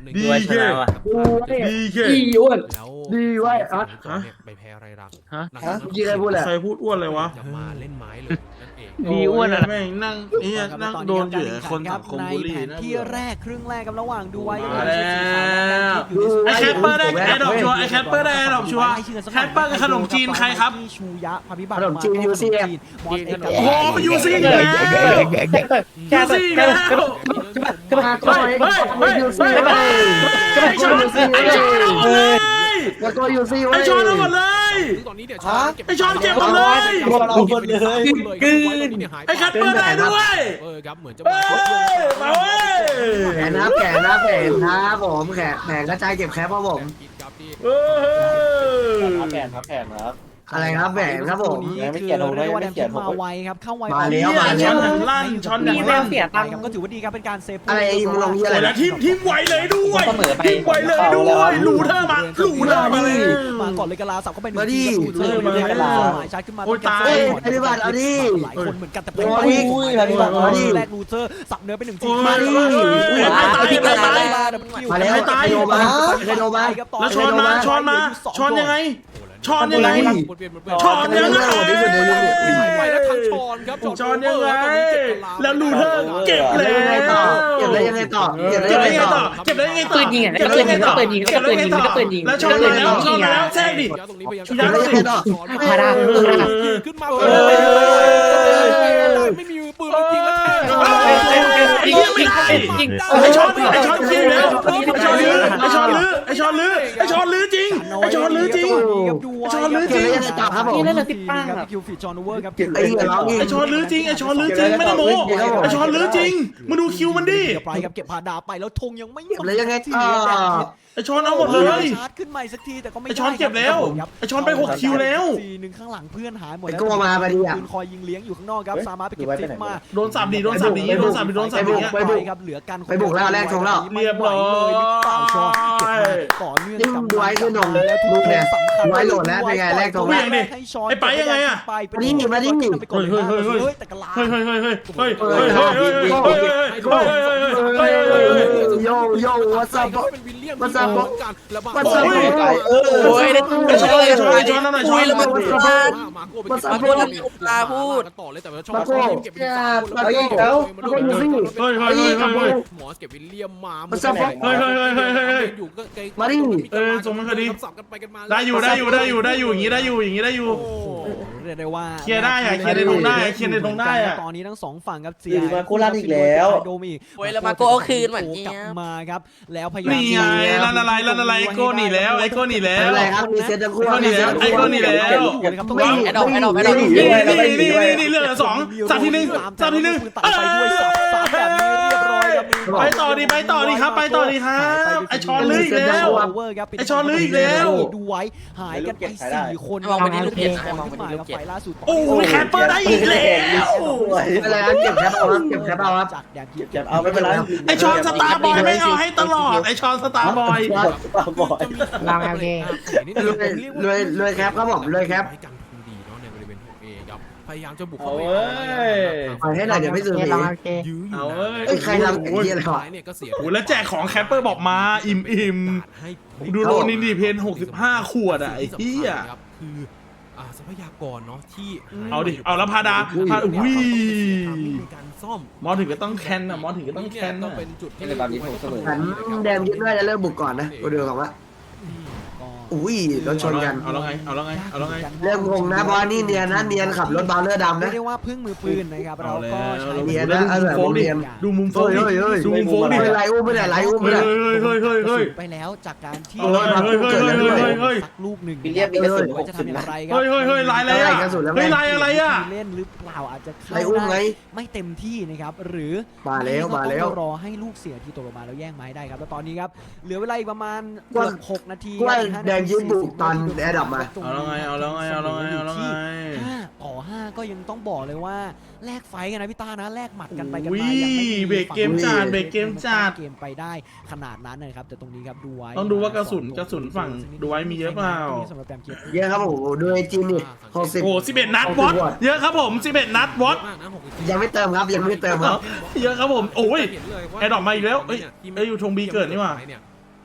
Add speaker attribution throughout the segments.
Speaker 1: ดีเคดีเค
Speaker 2: อีอ้วน
Speaker 3: แล้ว
Speaker 2: ดีไว้อะ
Speaker 3: ไปแพ้ไรรัก
Speaker 2: ฮะ
Speaker 3: นะครับ
Speaker 2: เมื่อกี้ใครพูดแหละ
Speaker 1: ใครพูดอ้วนเลยวะ
Speaker 3: จะมาเล่นไม้เลยนั่นเอง
Speaker 2: ดีอ้วนอะ
Speaker 1: แม่งนั่งนั่งโดนเหยื่อคนสังคมบูลลี่นะ
Speaker 4: ที่แรกครึ่งแรกกับระหว่างดูไว้
Speaker 1: มาแล้วไอแคปเปอร์ได้ไอดอกชัวร์ไอแคปเปอร์ได้ไอดอกชัวร์แคปเปอร์กับขนมจีนใครครับ
Speaker 4: ชูยะพาพิบัติ
Speaker 2: ขนมจีน UCF
Speaker 4: มอสเอ็กซ์
Speaker 1: โอ้โหยูซี่อีกแล้วยูซี่อีกแล้ว
Speaker 2: มาโกยยูซี่ไป
Speaker 1: ไอชอนไอชอนเอาหมดเลย
Speaker 2: มาโกยยูซี่
Speaker 1: ไอ
Speaker 2: ไว้
Speaker 1: ชอนเอาหมดเลย
Speaker 3: ตอนนี้เนี่ย
Speaker 1: ไอชอนเก็บหมดเลย ไอแคปเปอร์ได้ด้วย
Speaker 3: ครับเหมือนจะ
Speaker 1: เอ้ยมาเว้ย
Speaker 2: แขนนะแขนนะแขนนะผมแขนกระจายเก็บแคปครับผม
Speaker 1: เออ
Speaker 5: แผนครับแผนครับ
Speaker 2: อะไรครับแขนครับผม
Speaker 4: นี่คือเรียกว่าแดมคิดมาไวครับเข้าไว
Speaker 2: มาแล้ว
Speaker 1: ช้อนอย่างลั่นช้อนอย่างลั่น
Speaker 4: ครับก็ถือว่าดีครับเป็นการเซฟ
Speaker 2: อะไรมึงลงเยอะ
Speaker 1: โอ้ย
Speaker 2: เล
Speaker 1: แล้ว
Speaker 2: ย
Speaker 1: ทีมไวเลยด้วยทีมไวเลยด้วยหลูเธอมาหลูเธอมาเลย
Speaker 4: มาก่อนเลยกะลาสับเข้าไป
Speaker 2: มาดิ
Speaker 4: เจอมาเลยกะลาหมายชาร์จขึ้นมา
Speaker 1: โอ้ยตาย
Speaker 2: ไอ้พี่บัตรเอาดิ
Speaker 4: หลายคนเหมือนกันแต่เป็น
Speaker 2: โอ้ย
Speaker 4: มาดิแรกลูเซอร์สับเนื้อไปหนึ่งที
Speaker 2: มาดิ มาแล้วใครโดนมาใครโดนมา
Speaker 1: แล้วช้อนมาช้อนมาช้อนยังไงช้อนยังไง ช้อนยังไง
Speaker 3: ไปแล้วทั้งช้อนครับ
Speaker 1: ช้อนยังไงแล้วหลูเธอเก็บเลย
Speaker 2: ยังไงต่อเก็บได้ยังไงต่อเก็บได้
Speaker 1: เก็บ
Speaker 2: ยัง
Speaker 1: ได้
Speaker 2: ไง
Speaker 1: ยังไง
Speaker 2: ต่อ
Speaker 1: ต่อเก็บได้ยังไงต่อ
Speaker 6: ปืนยิงอ่ะ
Speaker 1: เก็บได้ยังไงต่อ
Speaker 6: ปืนยิง
Speaker 1: เก็บได้ยังไงต่อ
Speaker 6: ปืนยิง
Speaker 1: แล้วช้อนมาแล้วช้อนมาแล้วแทรกดิ
Speaker 3: ตรงนี้พยายาม
Speaker 2: เก็บได้ยังไงต่อ
Speaker 6: มาได้
Speaker 3: ขึ้นมาไม่มีปืนจริงแล้วแทง
Speaker 1: ไอ้เหี้ยไม่ได้ไอ้ช้อนยิงแล้วไอ้ช้อนลื้อไอ้ช้อนลื้อไอ้ช้อนลื้อไอ้ช้อนลื้อจริงไอ้ช้อนลื้อจริง ช้อนลื้อจริง
Speaker 2: เก็บได้ยังไงต่อครับผม
Speaker 6: นี่เล่นเลย15
Speaker 4: ครับคิวฟีจอนโอเวอร์ครับ
Speaker 2: ไอ้เหี้ยร้องอีก
Speaker 1: ไอ้ช้อนลื้อจริงไอ้ช้อนลื้อจริงไม่ได้โม้ไอ้ช้อนลื้อจริงมาดูคิวมันดิ
Speaker 4: เดี๋ยวไปครับเก็บพาดาไปแล้วธงยังไม่
Speaker 2: เก็บแล้วยังไงต่อ
Speaker 1: ไอ้ช้อนเอาหมดเลย
Speaker 4: ชาร์จขึ้นใหม่สักทีแต่ก็ไม่
Speaker 1: ไอ้ช้อนเก็บแล้วไอ้ช้อนไป6คิวแล้ว
Speaker 4: ทีนึงข้างหลังเพื่อนหายหมด
Speaker 2: ไอ้โก้มาพอดีอ่ะ
Speaker 4: ปืนคอยยิงเลี้ยงอยู่ข้างนอกครับสามารถไปเก็บทิปมา
Speaker 1: โดนสับดิโดนสับดิโดนสับดิโดนสับดิ
Speaker 4: ไปครับเหลือกัน
Speaker 2: ไปบุกแล้วแรกชงแล้ว
Speaker 4: เรียบร้อยต่อเนื่อง
Speaker 2: นี่มึงดูไว้คือหนงดูเนี่ยดูไว้โหลดแล้วเป็นไงแรกชงแล้ว
Speaker 1: ไอ้ไปยังไงอะ
Speaker 2: มาดิมาดิ
Speaker 4: แต่กระลา
Speaker 1: เฮ้ยเฮ้ยเฮ้ยเฮ้ยเฮ้ยเฮ้ยเฮ้ยเฮ้ยเฮ้ยเฮ้ยเฮ้ยเฮ้ย
Speaker 2: โยโย่วัสดุ
Speaker 3: เป็นวิลเลียม
Speaker 2: มันจะบอก
Speaker 3: กันแล้ว
Speaker 2: มันจะ
Speaker 6: โอ้ยได้
Speaker 1: ไอ้ช้อนไอ้ช้อนไอ้ช้อนนั่นหน่อยช้อน
Speaker 6: แล้วมัน
Speaker 3: มาโก้ไปเก็บต่อเลยแต่ว่าชอบเก็บเป็นสามคนแล้วหมอเก็บวิลเลียมมาอยู่ก็ไกลสับกันไปกันมา
Speaker 1: ได้อยู่อย่างนี้ได้อยู่อย่างนี้ได้อยู่
Speaker 4: เรียกได้ว่า
Speaker 1: เคลียร์ได้อะเคลียร์ในตรงได้อะเคลียร์ในตรงได้อะ
Speaker 4: ตอนนี้ทั้งสองฝั่งครับเสี
Speaker 5: มาโคราชอีกแล้ว
Speaker 4: โดมี
Speaker 6: โอ้ยแล้วมาโก้เอาคืนเหมือน
Speaker 4: กลับมาครับแล้วพยายาม
Speaker 1: นี่ไงลั่นอะไรไอ้โก้หนีแล้วไอ้โก้หนีแล้ว
Speaker 2: อะไรครับมีเซตตะกั่ว
Speaker 1: ไอ้โก้หนีแล้ว
Speaker 2: ไม่มี
Speaker 6: ไอ้ดอก
Speaker 1: นี่เรื่องสองสับทีหนึ่งสับทีหนึ่ง
Speaker 4: ตัดไปด้วยสับแบบนี้เรียบร้อยครับ
Speaker 1: ไปต่อดีครับไปต่อดีครับไอ้ช้อนลื้ออีกแล้ว ไอ้ช้อนลื้ออีกแล้ว
Speaker 4: ดูไว้หายกันไป4 คน
Speaker 6: มองไปที่ลูกเกด
Speaker 4: ขึ้นมาแล้วไฟล่าสุด
Speaker 1: โอ้ยแคปเปอร์ได้อีกแล้ว
Speaker 2: อะไรครับเก็บแคปเอาครับเก็บแคปเอาครับ
Speaker 4: จากแดน
Speaker 5: เก็บเอาไม่เป็นไร
Speaker 1: ไอ้ช้อนสตาร์บอยไม่เอาให้ตลอดไอ้ช้อนสตาร์บอย
Speaker 5: บ่อย
Speaker 6: ลองโอเค
Speaker 2: รวยแคปครับผมรวยแคป
Speaker 3: ให้กันคงดีเนาะในบริเวณของเอครับพยายามจะบุกเข้า
Speaker 1: เอา
Speaker 3: ไป
Speaker 1: เว้ย
Speaker 2: ปล่อยให้หน่อยเดี๋ยวไม่ซื้อ
Speaker 6: ลองโอเค
Speaker 3: ยื้ออยู่
Speaker 1: เอาเว้ย
Speaker 2: ไอ้ใครทำไอ้เหี้ยอะไรวะ
Speaker 3: เนี่ยก็เสีย
Speaker 1: โอ้แล้วแจกของแคปเปอร์บอกมาอิ่ม
Speaker 3: ให้
Speaker 1: ดูโลนินดีเพน65 ขวดอ่ะไอ้เหี้ย
Speaker 3: ครับคือทรัพยากรเนาะที่
Speaker 1: เอาดิเอาแล้วพาดาอุ้ย
Speaker 3: ในการซ่อม
Speaker 1: มอถึงก็ต้องแคนอ่ะมอถึงก็ต้องแคน
Speaker 3: ก็
Speaker 1: อ่ะ
Speaker 3: เป็นจุดที่
Speaker 5: ในตอนนี้ผมเสมอ
Speaker 2: ฉันแดมคิดว่าจะเริ่มบุกก่อนนะกูดูก่อนว่าอุ้ยรถชนกัน
Speaker 1: เอาแล้วไง
Speaker 2: เริ่มงงนะเพราะนี่เนียนนะเนียนขับรถบาเลอร์ดำ
Speaker 4: เรีย
Speaker 2: นะ
Speaker 4: กได้ว่าพึ่งมือปืนนะครับเราก็ใช้
Speaker 2: เนียนนะเอาแบบเนียน
Speaker 1: ดูมุมโฟกดิดูมุมโฟกดิ
Speaker 2: ไม่ไรอุ้มไม่ได้ไรอุ้มไม่ได้
Speaker 1: เฮ้ย
Speaker 4: ไปแล้วจากการที่
Speaker 1: เฮ้ย
Speaker 4: สักลูกหนึ่ง
Speaker 5: วิลเลียมมีกระสุน
Speaker 4: ว่าจะทำอย่างไรครั
Speaker 1: เฮ้ยลายอะไรอ่ะเฮ้ยลายอะไรอ่ะ
Speaker 4: เล่นหรือเปล่าอาจจะ
Speaker 2: ไรอุ้มไง
Speaker 4: ไม่เต็มที่นะครับหรือ
Speaker 2: มาแล้วมาแล้ว
Speaker 4: รอให้ลูกเสียที่ตกลงมาแล้วแย่งไม้ได้ครับแล้วตอนนี้ครับเหลือเวลาอีกประมาณ6 นาที
Speaker 2: ว่าแดงยืนบุกตอนแอร์ดับมา
Speaker 1: เอาแล้วไง
Speaker 4: ต่อ5ก็ยังต้องบอกเลยว่าแลกไฟกันนะพี่ต้านะแลกหมัดกันไปกัน
Speaker 1: วิ
Speaker 4: มายังไม่
Speaker 1: เบรกเกมจัด
Speaker 4: เกมไปได้ขนาดนั้นนะครับแต่ตรงนี้ครับดูไว้
Speaker 1: ต้องดูว่ากระสุนฝั่งดูไว้มีเยอะเปล่า
Speaker 4: สำหรับแต้มเกียรติ
Speaker 2: เยอะครับผมดูไอจีนี่60
Speaker 1: โอ้11 นัดวอตเยอะครับผม11 นัดวอต
Speaker 2: ยังไม่เติมครับยังไม่เติมครับ
Speaker 1: เยอะครับผมโอ้ย แอดดอกมาอีกแล้วเอ้ยอยู่ธงบีเกิดนี่หว่า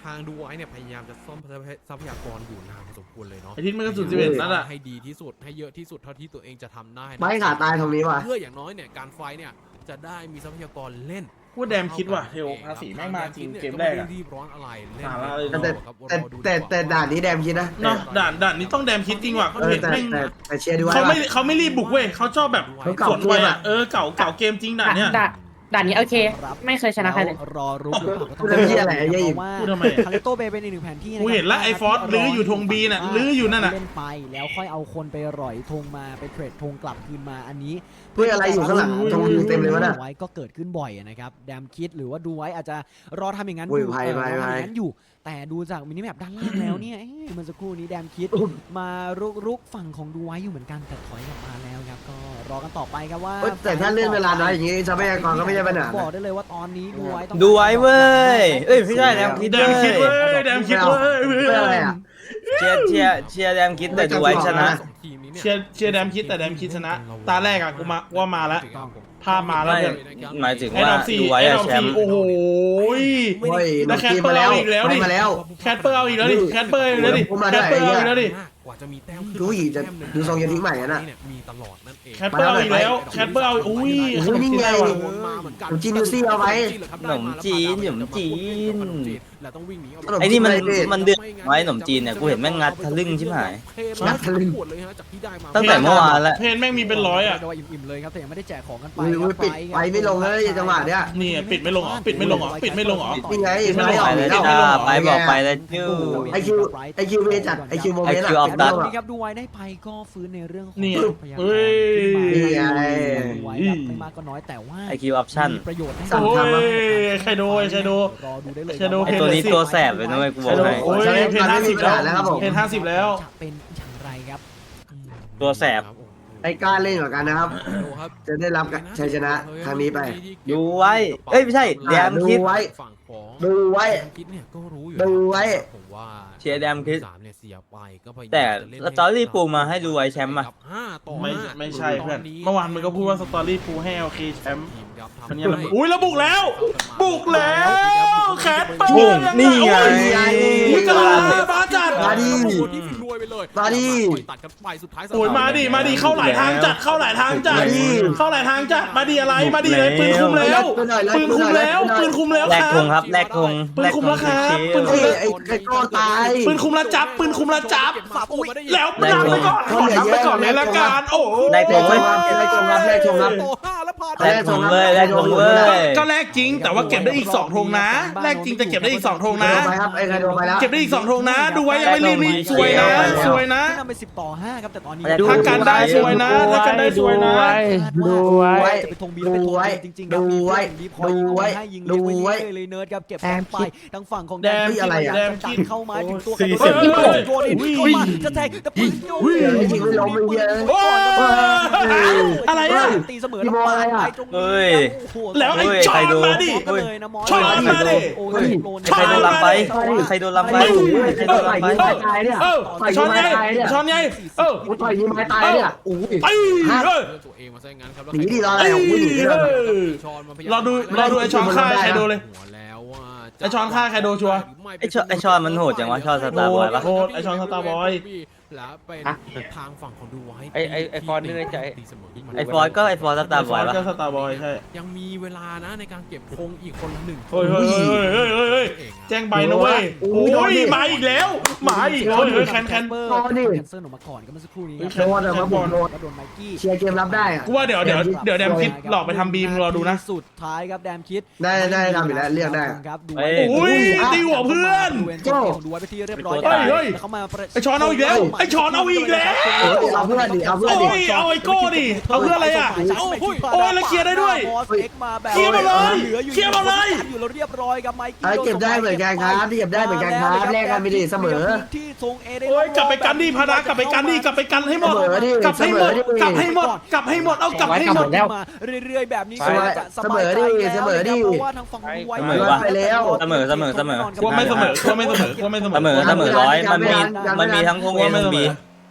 Speaker 3: างดูไว้เนี่ยพยายามจะซ่อมทรัพยากรอยู่นานพอสมควรเลยเนาะ
Speaker 1: ไอ้ทิศมันก็สุด11นั่นแหละ
Speaker 3: ให้ดีที่สุดให้เยอะที่สุดเท่าที่ตัวเองจะทำได้นะ
Speaker 2: ไม่ขาตายตรงนี้ว่ะ
Speaker 3: เพื่ออย่างน้อยเนี่ยการไฟเนี่ยจะได้มีทรัพยากรเล่น
Speaker 1: พูดแดมคิดว่ะเทลภาษีแม่งมาจริงเกมแรกอะ
Speaker 3: รีบร้อนอะไรเล่น
Speaker 1: สาระเลย
Speaker 2: แต่ด่านนี้แดมคิดนะ
Speaker 1: เนาะด่านนี้ต้องแดมคิดจริงว่ะเขาเห็นแม่ง
Speaker 2: แต่เชียร์ดูไว้
Speaker 1: เขาไม่รีบบุกเว้ยเขาชอบแบบ
Speaker 2: เขาเก่า
Speaker 1: สวนไวอ่ะเก่าเกมจริงด่านเนี้ย
Speaker 6: ด่านนี้โอเค ไม่เคยชนะใครเลย
Speaker 4: รอรุกหรือเปล่าก็ต้อง
Speaker 2: พูดเรื่องเหี้ยอะไรไอ้เหี้ยอีก
Speaker 4: ว่า
Speaker 1: พูดทำไม
Speaker 4: คาริโตเบย์เป็นอีกหนึ่งแผนที่นะ
Speaker 1: กูเห็นละไอ้ฟอสลื้ออยู่ธง B น่ะลื้ออยู่นั่นน่ะ
Speaker 4: เล่นไปแล้วค่อยเอาคนไปร่อยธงมาไปเทรดธงกลับคืนมาอันนี้
Speaker 2: เพื่ออะไรอยู่ข้างหลังธงอยู่เต็มเลยวะน่ะ
Speaker 4: ไว้ก็เกิดขึ้นบ่อยนะครับแดมคิดหรือว่าดูไว้อาจจะรอทำอย่างนั้น
Speaker 2: อุ้ย
Speaker 4: อยู่
Speaker 2: ไพ่
Speaker 4: รอ
Speaker 2: ไพ่
Speaker 4: ทำอ
Speaker 2: ไพ่
Speaker 4: ย่างนั้นอยู่ แต่ดูจากมินิแมปด้านล่างแล้วเนี่ยเมื่อสักครู่นี้แดมคิดมารุกฝั่งของดูไว้อยู่เหมือนกันแต่ถอยกลับมาแล้วครับก็รอกันต่อไปครับว่า
Speaker 2: แต่ถ้าเลื่อนเวลาน้อยอย่างงี้ทรัพยากรก็ไม่ใช่ปัญหา
Speaker 4: บอกได้เลยว่าตอนนี้ดูไว้ต้อง
Speaker 5: ดูไว้เว้ยเอ้ยไม่ใช่แดมคิด
Speaker 1: แดมคิดเว้ยแดมคิดเว้ย
Speaker 2: เพื่ออะไรอ่ะ
Speaker 5: เชียร์แดมคิดแต่ดูไว้ชนะ
Speaker 1: เชียร์แดมคิดแต่แดมคิดชนะ ตาแรกอะกูมาแล้ว ภาพมาแล้วเนี่ย
Speaker 5: หมายถึง
Speaker 1: ไอ้
Speaker 5: ว่า
Speaker 1: ดอมสี่
Speaker 5: ดูไว้
Speaker 1: ไอ้
Speaker 5: อะ
Speaker 1: ดอม
Speaker 5: แชม
Speaker 1: สี่
Speaker 5: ป์
Speaker 1: โอ้โห
Speaker 2: เฮ้ย
Speaker 1: แล้วแคทเปอร์เอาอีกแล้วดิ
Speaker 2: มาแล้ว
Speaker 1: แคทเปอร์เอาอีกแล้วดิแคทเปอร์เอาอีกแล้วดิ
Speaker 2: ผมมา
Speaker 1: แค
Speaker 2: ได้
Speaker 1: ทเปอร์เอาอีกแล้วดิ
Speaker 3: กว่าจะมีแต้ม
Speaker 2: ดูอีกจะดูทรงจะทิ้งใหม่อะน่ะ
Speaker 3: มีตลอดนั่นเอง
Speaker 1: แคทเปอร์เอาอีกแล้วแคทเปอร์เอาอุ้ยขนมจีนได้ว่ะ
Speaker 2: ผมจีนดูซี่เอาไว้
Speaker 5: ขนมจีน
Speaker 3: แล้วต้องวิ่งหนี
Speaker 5: ไอ้นี่มันเดือดไว้ขนมจีนเนี่ยกูเห็นแม่งงัดทะลึ่งชิบหาย
Speaker 2: งัดทะลึ่ง
Speaker 3: ปวดเลยฮะจากที่ได้มา
Speaker 5: ตั้งแต่เมื่อวานแล้ว
Speaker 1: เพนแม่งมีเป็นร้อยอะ
Speaker 4: โดยอิ่มๆเลยครับแต่ยังไม่ได้แจกของกันไป
Speaker 2: อุ้ยปิดไปไม่ลงเลยจังหวะเนี้ย
Speaker 1: นี่ปิดไม่ลงเหรอปิดไม่ลงเหรอปิดไม่ลงเหรอ
Speaker 2: นี่ไง
Speaker 1: ไม่
Speaker 2: ไม่
Speaker 1: ลง
Speaker 2: ออก
Speaker 5: ไป
Speaker 2: แล้
Speaker 5: เลยว จ้าไปบอกไปเลยจู้
Speaker 2: ไอคิวเวจัดไอคิวโมเมนต์
Speaker 5: IQ
Speaker 2: อ่ะ
Speaker 5: of that
Speaker 4: นี่ครับดูไว้ได้ไปก็ฟื้นในเรื่องของ
Speaker 1: นี่
Speaker 4: ทรัพยากร
Speaker 1: เฮ้ย
Speaker 4: ขึ้นมา
Speaker 2: นี่ไง
Speaker 4: ดูไว้ครับไม่มากก็น้อยแต่ว่า
Speaker 5: IQ option
Speaker 4: มีประโยชน์ให้
Speaker 2: สั่ง
Speaker 1: โอ้
Speaker 2: ทำอะ
Speaker 1: ยใครดูใครดู
Speaker 4: รอดูได้เลย
Speaker 1: ใครดู
Speaker 5: ไอตัวนี้ตัวแสบเลยนะเว้ยกูบอกให้
Speaker 1: โอ้ยเพน50แล้วเพน50แล้ว
Speaker 4: จะเป็นอย่างไรครับ
Speaker 5: ตัวแสบ
Speaker 2: ไอ้กล้าเล่นกว่ากันนะครับ จะได้รับชัยชนะครั้งนี้ไป
Speaker 5: ดูไว้เอ้ยไม่ใช่แดมคิด
Speaker 2: ดูไว้
Speaker 3: ฝั่งของ
Speaker 2: ดูไว้
Speaker 3: คิดเนี่ยก็รู้อยู่
Speaker 2: ดูไว้
Speaker 3: ผมว่า
Speaker 5: เชียร์แดมคิด
Speaker 3: 3เนี่ยเสียไปก็พยายาม
Speaker 5: แต่
Speaker 3: จะเล่น
Speaker 5: สตอรี่ปูมาให้ดูไว้แชมป์อะ
Speaker 3: กับ5ต่อ
Speaker 1: ไม่
Speaker 3: 5
Speaker 1: ใช่เพื่อนเมื่อวานมึงก็พูดว่าสตอรี่ฟูให้โอเคแชมป์
Speaker 3: ทีมครับทำ
Speaker 1: มันยังอุ้ยแล้วบุกแล้ว บุกแล้วแคทเปอ
Speaker 5: บุก
Speaker 1: ร์ยังไง
Speaker 5: นี่ไง
Speaker 1: นี่ก็บาจัด
Speaker 2: มาดิ
Speaker 3: ที่ฟินรวยไปเลย
Speaker 2: มาดิ
Speaker 3: ตัดกันไปสุดท้าย
Speaker 1: โอ้ยมาดิเข้าหลายทางจัดเข้าหลายทางจัด
Speaker 2: มาดิ
Speaker 1: เข้าหลายทางจัดมาดิอะไรมาดิเลยปืนคุมแล้วปืนคุมแล้วปืนคุมแล้ว
Speaker 5: แลก
Speaker 1: ค
Speaker 5: ธ
Speaker 1: รั
Speaker 5: ง
Speaker 1: บ
Speaker 5: ครับแลกธง
Speaker 1: ปืนคุมแล้วครับปืนคุ
Speaker 2: เฮ้
Speaker 1: ม
Speaker 2: ยไอ้โก้ตาย
Speaker 1: ปืนคุมละจับปืนคุมละจับ แล้ว
Speaker 5: แลก
Speaker 1: นำ
Speaker 5: ธ
Speaker 1: ไป
Speaker 5: ง
Speaker 1: ก่อนขอนับไปก่อนเลยละกันโอ้โห
Speaker 5: แลกธงเว้ย
Speaker 2: แลกธงครับแลกธงครับ
Speaker 3: โต5แล้วพา
Speaker 5: แลกธงเลยแลกธงเว้ย
Speaker 1: ก็แลกจริงแต่ว่าเก็บได้อีก2ธงนะแลกจริงแต่เก็บได้อีก2ธงนะ
Speaker 2: โดนไปครับไอ้ใครโดนไปแล้ว
Speaker 1: เก็บได้อีก2ธงนะ ดูไว้ยังไม่รีบสวยนะสวยนะ
Speaker 4: ขึ้นนำไป10 ต่อ 5ครับแต่ตอนนี้
Speaker 1: ถ้ากันได้สวยนะถ้ากันได้สวยนะ
Speaker 2: ดูไว้
Speaker 4: จะไปธงบีแล้วไปธงบีจริงๆครับ
Speaker 2: ดูไว้
Speaker 4: มีพอยยิง
Speaker 2: ดูไว้
Speaker 4: ให้ยิง
Speaker 2: ดู
Speaker 4: เลี้ยง
Speaker 2: ไว้
Speaker 4: ไว้เลยเนิร์ดครับเก็บไปทางฝั่งของ
Speaker 1: แดม
Speaker 2: อะไรอะ
Speaker 4: แดมคิดเข้ามาถึงตัว
Speaker 5: สี่
Speaker 4: กัน
Speaker 5: สิบ
Speaker 4: โดนเข้ามาจะแทงแต่ปืนโยน
Speaker 2: ไอ้จริงไม่ล้มไม่เยอะ
Speaker 1: โอ้ยอะไรอ่ะ
Speaker 4: ตีเสมอ
Speaker 2: พี่โมอะไรอะ
Speaker 5: เฮ้ย
Speaker 1: แล้วไอ้
Speaker 5: เฮ้ย
Speaker 1: ช้อนมาดิ ช้อนมาดิ
Speaker 5: ใครโดนลำไปใครโดนลำไปใครโดนลำไป
Speaker 2: ตายเนี่ย
Speaker 1: ช้อนไงช้อนไงเออ
Speaker 2: กูต่อยยิงไม้ตายเนี่ยอู้ย
Speaker 1: ไอ้เออ
Speaker 3: ตัวเองมาซะงั้นครับ
Speaker 2: หนีดิรออะไรของกูหนีดิ
Speaker 1: รอดูไอ้ช้อนฆ่าใครดูเลย
Speaker 3: หัวแล้วว่า
Speaker 1: ไอ้ช้อนฆ่าใครดูชัวร์
Speaker 5: ไอชอนมันโหดจังวะชอนสตาร์บอยปะ
Speaker 1: โหดไอ้ช้อนสตาร์บอย
Speaker 3: แล้วเป็นทางฝั่งของดูไว้
Speaker 7: ไอ้ฟอนนี่ในใจ
Speaker 3: ตีเสมอขึ้นมา
Speaker 5: ไอฟอร์ก็ไอฟอร์สตาร์บอยปะ
Speaker 1: ก็สตาร์บอยใช่
Speaker 3: ยังมีเวลานะในการเก็บธงอีกคนละ1
Speaker 1: เฮ้ยแจ้งใบนะเว้ยโอ้ยมาอีกแล้วมาอีกเฮ้ยแคน
Speaker 4: แคนเเซิร์นออกมาก่อนก็เมื่อสักครู่นี้
Speaker 2: โดนอะมาบุกโดน
Speaker 4: โดนไมกี้
Speaker 2: เชียร์เกมรับได้อะ
Speaker 1: กูว่าเดี๋ยวแดมคิดหลอกไปทำบีมรอดูนะ
Speaker 4: สุดท้ายครับแดมคิด
Speaker 2: ได้ทำอยู่แล้วเรียกได้
Speaker 4: ครับดู
Speaker 1: อุ้ยตีหัวเพื่อน
Speaker 4: ดูไว้ไปที่เรียบร้อย
Speaker 1: เฮ้ย
Speaker 4: เขามา
Speaker 1: ไอ้ช้อนเอาอีกแล้วไอ้ช้อนเอาอีกแล้ว
Speaker 2: เอาเพื่อนดิเอาเพื่อนดิ
Speaker 1: โอ้ยเอาไอ้โก้ดิเอาเพื่ออะไรอ่ะโอ้ยแล้วเคลียร์ได้ด้วยเคลียร์มาเลยเคลียร์มาเลย
Speaker 4: อยู่แล้วเรียบร้อยกับไมกี้
Speaker 2: ไอ้เก็บได้เหมือนกันครับที่เก็บได้เหมือนกันครับแลกกันไปดิเสมอ
Speaker 4: ที่ทรงเอเด
Speaker 1: โอ้ยกลับไปกันดิพานากลับไปกันดิกลับไปกันให้หมดกลับให้หมดกลับให้หมดกลับให้หมดเอากลับให้หมด
Speaker 4: มาเรื่อยๆแบบนี้
Speaker 2: เสมอ
Speaker 4: จะสบายใจ
Speaker 2: เสมอดิ
Speaker 4: เพราะว่าทางฝั่งดูไว้
Speaker 5: เสมอวะ
Speaker 2: ไปแล้ว
Speaker 5: เสมอ
Speaker 1: ว่าไม่เสมอว่าไม่เสมอว่าไม่เสมอ
Speaker 5: เสมอ100มันมีทั้งธงเอทั้งบี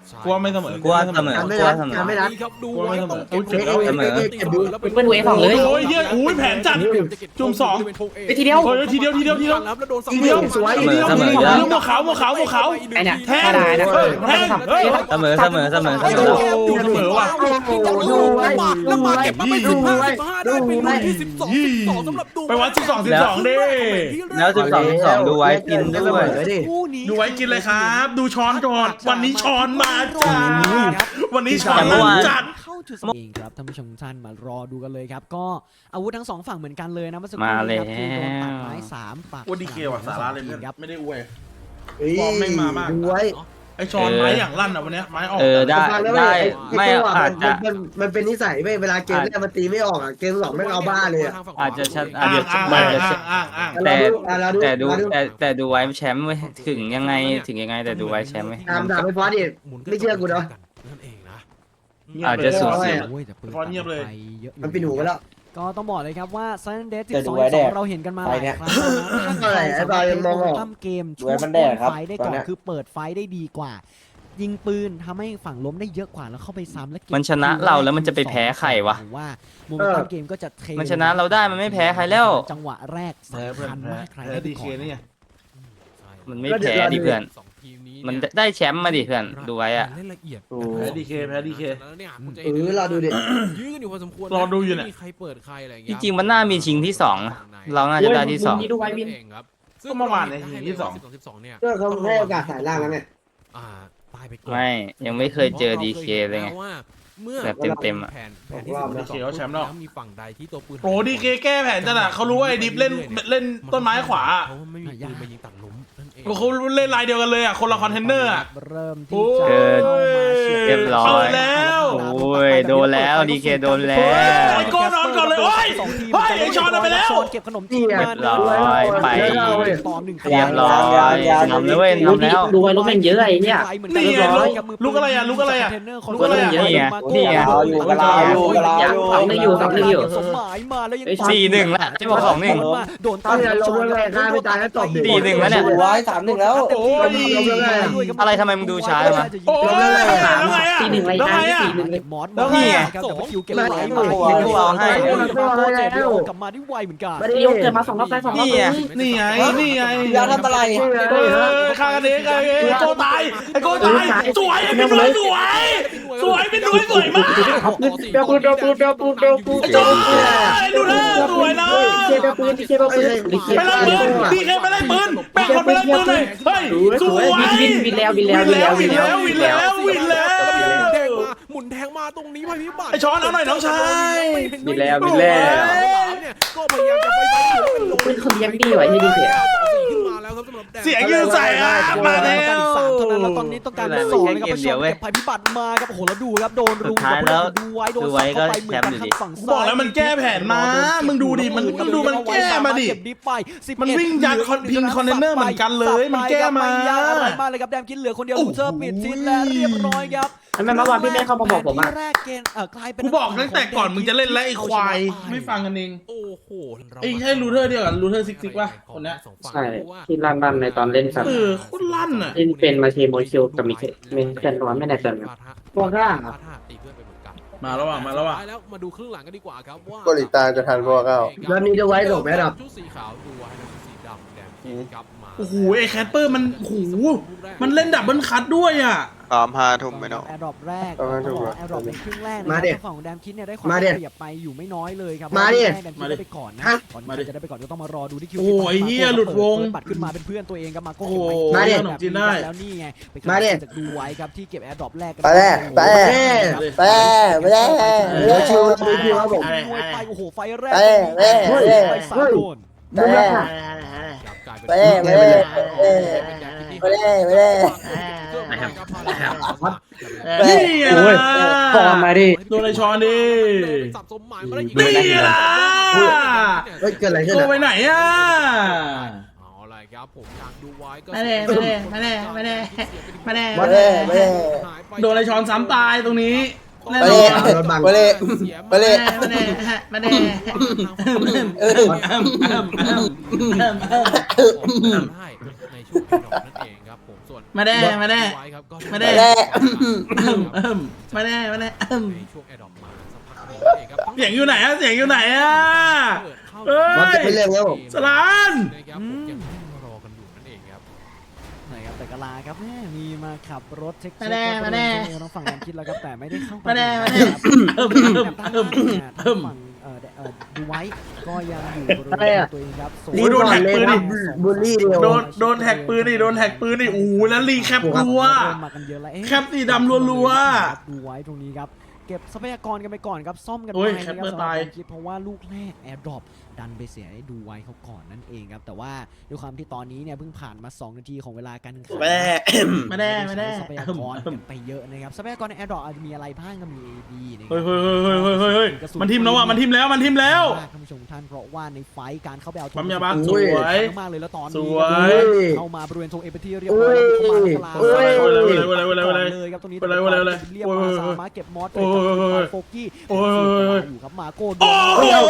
Speaker 1: กลัวไม่เสมอ
Speaker 5: กลัวเสมอ
Speaker 2: ไม่
Speaker 5: กลัว
Speaker 2: รัก
Speaker 5: เสมอ
Speaker 2: ไม่รัก
Speaker 3: ครับดู
Speaker 1: กลัวไม่เสมอ
Speaker 3: ต้องเก็บ
Speaker 5: เสมอ
Speaker 6: เป็นดูเอสองเลย
Speaker 1: โอ้ยเฮียอุ้ยแผนจัดจุ่มสอง
Speaker 6: ไปทีเดียว
Speaker 1: โอ้ยทีเดียวทีเดียวทีเดียว
Speaker 3: แล้วโดน
Speaker 1: ทีเดียวสวยทีเดียวทีเดียวหมวกขาวหมวกขาวหมวกขาว
Speaker 6: ไอเนี่ย
Speaker 1: แทง
Speaker 6: ถ้าได้นะ
Speaker 1: แทงเฮ้ย
Speaker 5: เสมอเสมอเสมอเสมอ
Speaker 1: โอ้เสมอว่ะ
Speaker 2: ดูไว้
Speaker 3: แล้วมาเก็บมาเป็น
Speaker 2: ดูไว้
Speaker 3: 15ได้เป็นลูกที่12สำหรับดู
Speaker 1: ไปวัด12ดิ
Speaker 5: แล้ว12ดูไว้กินด้วย
Speaker 4: คู่นี้
Speaker 1: ดูไว้กินเลยครับ ดูช้อนก่อนวันนี้ช้อนมาจ้าวันนี้ช้อน
Speaker 5: เมื่อวาน
Speaker 1: จัด
Speaker 4: เข้าจุดสเองครับท่านผู้ชมทุกท่านมารอดูกันเลยครับก็อาวุธทั้งสองฝั่งเหมือนกันเลยนะเมื่อสักครู่
Speaker 5: มา
Speaker 4: นี้
Speaker 5: แล้ว
Speaker 4: ครับคือโดนตัดไม้3ปัก
Speaker 1: โอ้ดีเคว่ะสาระเลยเพื่อน
Speaker 4: ครับ
Speaker 1: ไม่ได้อวย
Speaker 2: ฟ
Speaker 1: อร์มแม่งมามาก
Speaker 2: ดูไว้
Speaker 1: ไอช้อนไม้อย่างลั่นอ่ะวันเนี้ยไม้ออก
Speaker 5: ได้ได้ไม่อาจจะ
Speaker 2: มันเป็นนิสัยไม่เวลาเกมแรกมันตีไม่ออกอ่ะเกม2ไม่เอาบ้าเลยอ่ะ
Speaker 5: อาจจะชัดอา
Speaker 1: อ้า
Speaker 5: จ
Speaker 1: ง
Speaker 5: จะ
Speaker 1: อ้าง
Speaker 5: อาจจะ
Speaker 1: อ้าง
Speaker 5: แต่ดูไว้แชมป์เว้ยถึงยังไงแต่ดูไว้แชมป์เว้ย
Speaker 2: ตามด่าไปฟอสดิไม่เชื่อกูเนาะ
Speaker 3: นั่นเองนะ
Speaker 5: อาจจะสูสี
Speaker 4: โอ้ยแต่ปืน
Speaker 1: ฟอนเงียบเลย
Speaker 4: ไปเยอะอยู่
Speaker 2: มันปิดหูไปแล้ว
Speaker 4: ก็ต้องบอกเลยครับว่า Silent Death
Speaker 7: แต่ดู
Speaker 4: 12
Speaker 7: ไว้แดก
Speaker 4: เราเห็นกันมาห
Speaker 7: ไป
Speaker 4: ลาย
Speaker 7: เนี่ย
Speaker 4: ครั้งแล้วนะถ้าใคร
Speaker 2: ไอ้
Speaker 4: สา
Speaker 2: บ
Speaker 4: มาร
Speaker 2: อย
Speaker 4: ถ
Speaker 2: มันมองออก
Speaker 4: ตั้มเกม
Speaker 7: ดูไว้มันแดกครับ
Speaker 4: ไฟได้
Speaker 7: ต
Speaker 4: ก่
Speaker 7: อ
Speaker 4: อน น
Speaker 7: เนี้ย
Speaker 4: คือเปิดไฟได้ดีกว่า ยิงปืนทำให้ฝั่งล้มได้เยอะกว่าแล้วเข้าไปซ้ำแล้วเก็บ
Speaker 5: มันชนะเราแล้วมันจะไปแพ้ใครวะ
Speaker 4: ผมว่าโมเมนตัมเกมก็จะเท
Speaker 5: มันชนะเราได้มันไม่แพ้ใครแล้ว
Speaker 4: จังหวะแรก
Speaker 1: แพ้
Speaker 4: สำ
Speaker 1: เพื่อน
Speaker 4: คัญ
Speaker 1: แพ้
Speaker 4: มากใคร
Speaker 1: แพ้
Speaker 4: ได้
Speaker 1: ดี
Speaker 4: ก่
Speaker 1: เค
Speaker 4: อน
Speaker 1: นี่ไง
Speaker 5: มันไม่แพ้ดิเพื่อน
Speaker 3: สองทีมนี้
Speaker 5: มันได้แชมป์มาดิเพื่อนดูไว้อะ
Speaker 3: เล่นละเอียด
Speaker 1: แพ้ดีเคแพ้ดีเค
Speaker 3: แล้วเนี่ยคุณจะ
Speaker 2: เราดูดิ
Speaker 3: ยื้อกันอยู่พอสมควร
Speaker 1: รอดูอยู่เนี่ย
Speaker 3: ไม่มีใครเปิดใครอะไรอย่าง
Speaker 5: จ
Speaker 3: เงี้ย
Speaker 5: ริงๆมันน่ามีชิงที่2นะเราน่าจะได้ที่2
Speaker 6: ดูไว้วิน
Speaker 3: เองครับ
Speaker 1: ก็เมื่อวานเนี่ยทีที่สอง
Speaker 3: 12เนี่ย
Speaker 2: ก็เขาให้โอกาสสายล่างแล้วไง
Speaker 3: อ่าตายไปก่อน
Speaker 5: ไม่ยังไม่เคยเจอดีเคเลยไง
Speaker 3: ว่าเมื่อ
Speaker 5: แบบเต็มๆอะ
Speaker 3: แผนที่
Speaker 1: ดีเคเขาแชมป์แล้ว
Speaker 3: มีฝั่งใดที่ตัวปืน
Speaker 1: โอ้ดีเคแก้แผนจัดอะเขารู้ว่าไอ้ดิฟเล่นต้นไม้ขวา
Speaker 3: เขาไม่มีปืนมายิงตัดหลุมนั่นเอง
Speaker 1: เขาเล่นลายเดียวกันเลยอะคนละคอนเทนเนอร์อะ
Speaker 4: เริ่ม
Speaker 1: โอ้
Speaker 4: ที่
Speaker 1: ย
Speaker 4: จะเข้ามาฉีด
Speaker 5: เรียบร้อย
Speaker 1: เอาแล้ว
Speaker 5: โอ้ยโดนแล้วดีเคโดนแล้ว
Speaker 1: ไอ้โก้นอนก่อนเลยโอ้ย เฮ้ยไอ้ช้อนเอาไปแล้ว
Speaker 4: ช้อนเก็บขนมจีนมา
Speaker 5: เรียบร้อยไป
Speaker 4: ต่อหนึ่ง
Speaker 5: เรียบร้อยนำเลยเว้ยนำแล้ว
Speaker 6: ดูไว้รถแม่งเยอะไอ้เนี่ย
Speaker 1: นี่ไงลูกอะไรอะลูกอะไรอะลูกอะไรอะ
Speaker 5: นี่ไงนี่ไง
Speaker 7: รออยู่ก็รออยู่ก็รออยู่
Speaker 6: ฝั่งนึงอยู่ฝั่งนึงอยู่
Speaker 4: สมหมายมาแล้วยัง
Speaker 5: 4-1ละจะบอก2-1
Speaker 4: โดนตาม
Speaker 2: เอาอย่าลงเลยฆ่าไม่ตายแล้วตบดิ
Speaker 5: 4-1แล้วเนี่ย
Speaker 7: 3-1แล้ว
Speaker 1: โอ้ย
Speaker 5: อะไรทำไมมึงดูช้าจังวะ
Speaker 1: โอ้ยแล้วไงอะ
Speaker 6: ตีหนึ่งไร
Speaker 1: แล้ว
Speaker 6: นะ
Speaker 1: ไงอะ
Speaker 6: ตีหนึ่งเลย
Speaker 4: มอส
Speaker 1: แล้วไงอะ
Speaker 4: ครับแต่ว่าคิวเก็บ
Speaker 2: ไม่
Speaker 4: ไว้
Speaker 2: ไม่
Speaker 5: เอาให้
Speaker 4: กลับมาได้ไวเหมือนกัน
Speaker 2: ไม่ได้
Speaker 6: เดียวเกิดมา2 รอบได้2 รอบ
Speaker 5: นี่ไง
Speaker 1: นี่ไงนี่ไง
Speaker 7: อย่าทำอะไร
Speaker 1: ฆ่ากันเองไอ้โก้ตายไอ้โก้ตายสวยเป็นหน่วยสวยสวยเป็นหน่วยสวยมาก
Speaker 6: เดี๋ยวปู
Speaker 1: ไอ้โจ้ดูแลสวยเลย
Speaker 6: เดี๋ยวปูที่เดี๋ยวปู
Speaker 1: ไปไล่ปืนดีแค่ไปไล่ปืนแบ่งคนไปไล่ปืนเลยเฮ้ยสวย
Speaker 6: วินแล้ววินแล้ววินแล้ววินแล้ว
Speaker 1: วินแล้ววินแล้ว
Speaker 3: หมุนแทงมาตรงนี้ภัยพิบัติ
Speaker 1: ไอ้ช้อนเอาหน่อยน้องชาย
Speaker 5: วินแล้ววินแล้ว
Speaker 3: เนี่ยก็พยายามจะไปอยู่เป็นลง
Speaker 6: ปืนเขาเลี้ยงดีไว้ให้ดีเสีย
Speaker 3: ขึ้นมาแล้วครับสำหรับแดง
Speaker 1: เสียงยืนใส่อะมาแล้ว
Speaker 4: การอีก3เท่านั้นแล้วตอนนี้ต้องการเป็น2นะครับผู้ชมเก็บภัยพิบัติมาครับโอ้โหแล้วดูครับโดนรุม
Speaker 5: สุดท้ายแล้ว
Speaker 4: ดูไว้โดนสับเข้าไปเหมือนกันข้างฝั่งซ้าย
Speaker 1: บอกแล้วมันแก้แผนมามึงดูดิมันดูมันแก้มาดิ
Speaker 4: เก็บดิฟไป11
Speaker 1: มันวิ่งยัดคอนพิงคอนเทนเนอร์เหมือนกันเลยมันแก้มา
Speaker 4: ไยากอะไรมากเลยครับแดมคิดเหลือคนเดียวลูเซอร์ปิดทิศและเรียบร้อยครับ
Speaker 6: ทำไมเมื่อวานพี่ไม่เข้ามาบอกผมอ่ะ
Speaker 4: ที่แรกเกณฑ์กลายเป็น
Speaker 1: กูบอกตั้งแต่ก่อนมึงจะเล่นแล้วไอ้ควายไม่ฟังกันเอง
Speaker 3: โอ้โห
Speaker 1: ไอ้ใช่รูเทอร์เดียวกันรูเทอร์ซิกป่ะคนเนี้ย
Speaker 6: ใช่ที่ลั่นในตอนเล่นสัตว์
Speaker 1: โคตรลั่นอ่ะ
Speaker 6: เล่นเป็นมาเทโมคิวกับมิเคเคนร้อนไม่แน่ใจ ตัวกล้า
Speaker 3: ตีเพื่อนไปเหมือนกัน
Speaker 1: มาแล้วว่ะมาแล้วว่ะ
Speaker 3: แล้วมาดูครึ่งหลังกันดีกว่าครับว่า
Speaker 7: เกาหลีใต้จะทันพวกเขา
Speaker 2: แล้วนี้จะไว้ส่งไหมครับ
Speaker 3: ชุดสีขาวดูไว้แล้วชุดสีดำแดงครับมา
Speaker 1: โอ้โหไอ้แคทเปอร์มันโอ้โหมันเล่นดับเบิลคัทด้วยอ่ะ
Speaker 7: พร้อม5 ทุ่มไหมเนาะ
Speaker 4: แอร์ดรอปแรก
Speaker 7: ประมาณ
Speaker 4: ต้องบอก
Speaker 7: ถูก
Speaker 4: แอร์ดรอปเป็นครึ่งแรกนะ
Speaker 2: มา
Speaker 4: ค
Speaker 2: ดิ
Speaker 4: รับฝั่งของแดมคิดเนี่ยได้ความ
Speaker 2: มาดิ
Speaker 4: เปรียบไปอยู่ไม่น้อยเลยครับ
Speaker 2: มาดิ
Speaker 4: แดมคิดได้ไปก่อนนะ
Speaker 2: ฮะ
Speaker 4: ก่อน
Speaker 1: มาดิ
Speaker 4: จะได้ไปก่อนก็ต้องมารอดูที่คิว
Speaker 1: โอ้ยเหี้ยหลุดวง
Speaker 4: เปิปัดขึ้นมาเป็นเพื่อนตัวเองครับมาโก้
Speaker 1: โอ้โห
Speaker 2: มาดิ
Speaker 4: ขนมจีนได้แล้วนี่ไงไป
Speaker 2: มาดิ
Speaker 4: จากดูไว้ครับที่เก็บแอร์ดรอปแรกกัน
Speaker 7: ไปแล้วไปแล้ว
Speaker 2: ไปไม่ได้เดี๋ยวชิวชิวครับผม
Speaker 4: มวยไปโอ้โหไฟแรก
Speaker 7: ไปแล้ว
Speaker 4: ไฟสามโดน
Speaker 7: ไปแล้ว
Speaker 3: กลายเป็น
Speaker 7: ไปแล้วไปแล้วไปแล้ว
Speaker 1: นี่ไง
Speaker 6: โอ้ย
Speaker 1: ล่ะ
Speaker 6: ฟอร์มมาดิ
Speaker 1: โดนไอ้ช้อนดิ
Speaker 3: สับสมหมายมาได้อีก
Speaker 1: นี่ไงล่ะ
Speaker 2: เฮ้ยเกิดอะไรขึ้น
Speaker 1: ตัว
Speaker 2: อ่ะ
Speaker 1: ไปไหนอ่ะ
Speaker 3: เอาอะไรครับผมอยากดูไว้ก็
Speaker 1: มาเลยมาเลยมาเลยมาเลยมาเลย
Speaker 7: ไปแล้วไปแล้ว
Speaker 1: โดนไอ้ช้อนซ้ำตายตรงนี้แน่
Speaker 7: ไป
Speaker 1: น
Speaker 7: เล
Speaker 1: อย น
Speaker 7: ไปเลยไปเลย
Speaker 1: มาเลยมาเลย
Speaker 3: ได้ในช่วงดอกนั่นเองครับผมส่วน
Speaker 1: มาแน่มาแน่
Speaker 3: ไว้ครับก็
Speaker 1: มาแน่
Speaker 7: มาแน่
Speaker 1: มาแน่มาแน่
Speaker 3: ในช่วงแอร์ดรอปมาสักพักหนึ่งเองครับ
Speaker 1: เสียงอยู่ไหนอะเสียงอยู่ไหนอะเฮ้
Speaker 2: มัน
Speaker 1: ย
Speaker 2: จะไม่เร็วแล้ว
Speaker 1: สลาน
Speaker 3: นะครับผมยังรอกันอยู่นั่นเองครับ
Speaker 4: ไหนครับแต่กะลาครับแม่มีมาขับรถเช็ค
Speaker 1: มาแน่มาแน่
Speaker 4: ทางฝั่งแดนคิดแล้วครับแต่ไม่ได้เข้าไป
Speaker 1: มาแน่มาแน่
Speaker 4: ครับ
Speaker 1: เอิ่ม
Speaker 4: ทาง
Speaker 1: เอิ่ม
Speaker 4: ฝั่งดูไว้ก็ยังอยู่บริเวณตัวเองครับ
Speaker 1: โอ้ยโดนแท็กปืนดิ
Speaker 2: บูลลี่เดียว
Speaker 1: โดนแท็กปืนนี่โดนแท็กปืนนี่โอ้โหแล้วรีแคปรัว
Speaker 4: เริ่มมากันเยอะแล้วเอ๊ะ
Speaker 1: แคปสีดำรัวๆ
Speaker 4: ดูไว้ตรงนี้ครับเก็บทรัพยากรกันไปก่อนครับซ่อมกัน
Speaker 1: โอ้
Speaker 4: ไป
Speaker 1: ย
Speaker 4: นะค
Speaker 1: แค
Speaker 4: รั
Speaker 1: ป
Speaker 4: บ
Speaker 1: เปอร์
Speaker 4: สำหรับ
Speaker 1: ตาย
Speaker 4: การคิดเพราะว่าลูกแรกแอร์ดรอปดันไปเสียให้ดูไว้เขาก่อนนั่นเองครับแต่ว่าด้วยความที่ตอนนี้เนี่ยเพิ่งผ่านมา2นาทีของเวลาการแข่งขัน
Speaker 7: มาแน่
Speaker 1: มาแน่มาแน่
Speaker 4: ทรัพยากรกันไปเยอะนะครับทรัพยากรในแอร์ดรอปอาจจะมีอะไรบ้างก็มี AB นะครั
Speaker 1: เฮ้ยเฮ้ยเฮ้ยเฮ้ยเฮ้ยเฮ้ยมันทิมแล้วอ่ะมันทิมแล้วมันทิมแล้ว
Speaker 4: ท่านผู้ชมท่านเพราะว่าในไฟท์การเข้าไปเอา
Speaker 1: ปั๊มยาบ้า
Speaker 2: สวย
Speaker 4: มากเลยแล้วตอน
Speaker 1: ส
Speaker 4: นี้
Speaker 1: วย
Speaker 4: เข้ามาบริเวณธงเอเปทีเรียบร้อยแล้วเข้ามาในกลาง เลยครับตรงนี้เรียบมาสามารถเก็บมอสโฟกี้อยู่ครับมาโก้โดน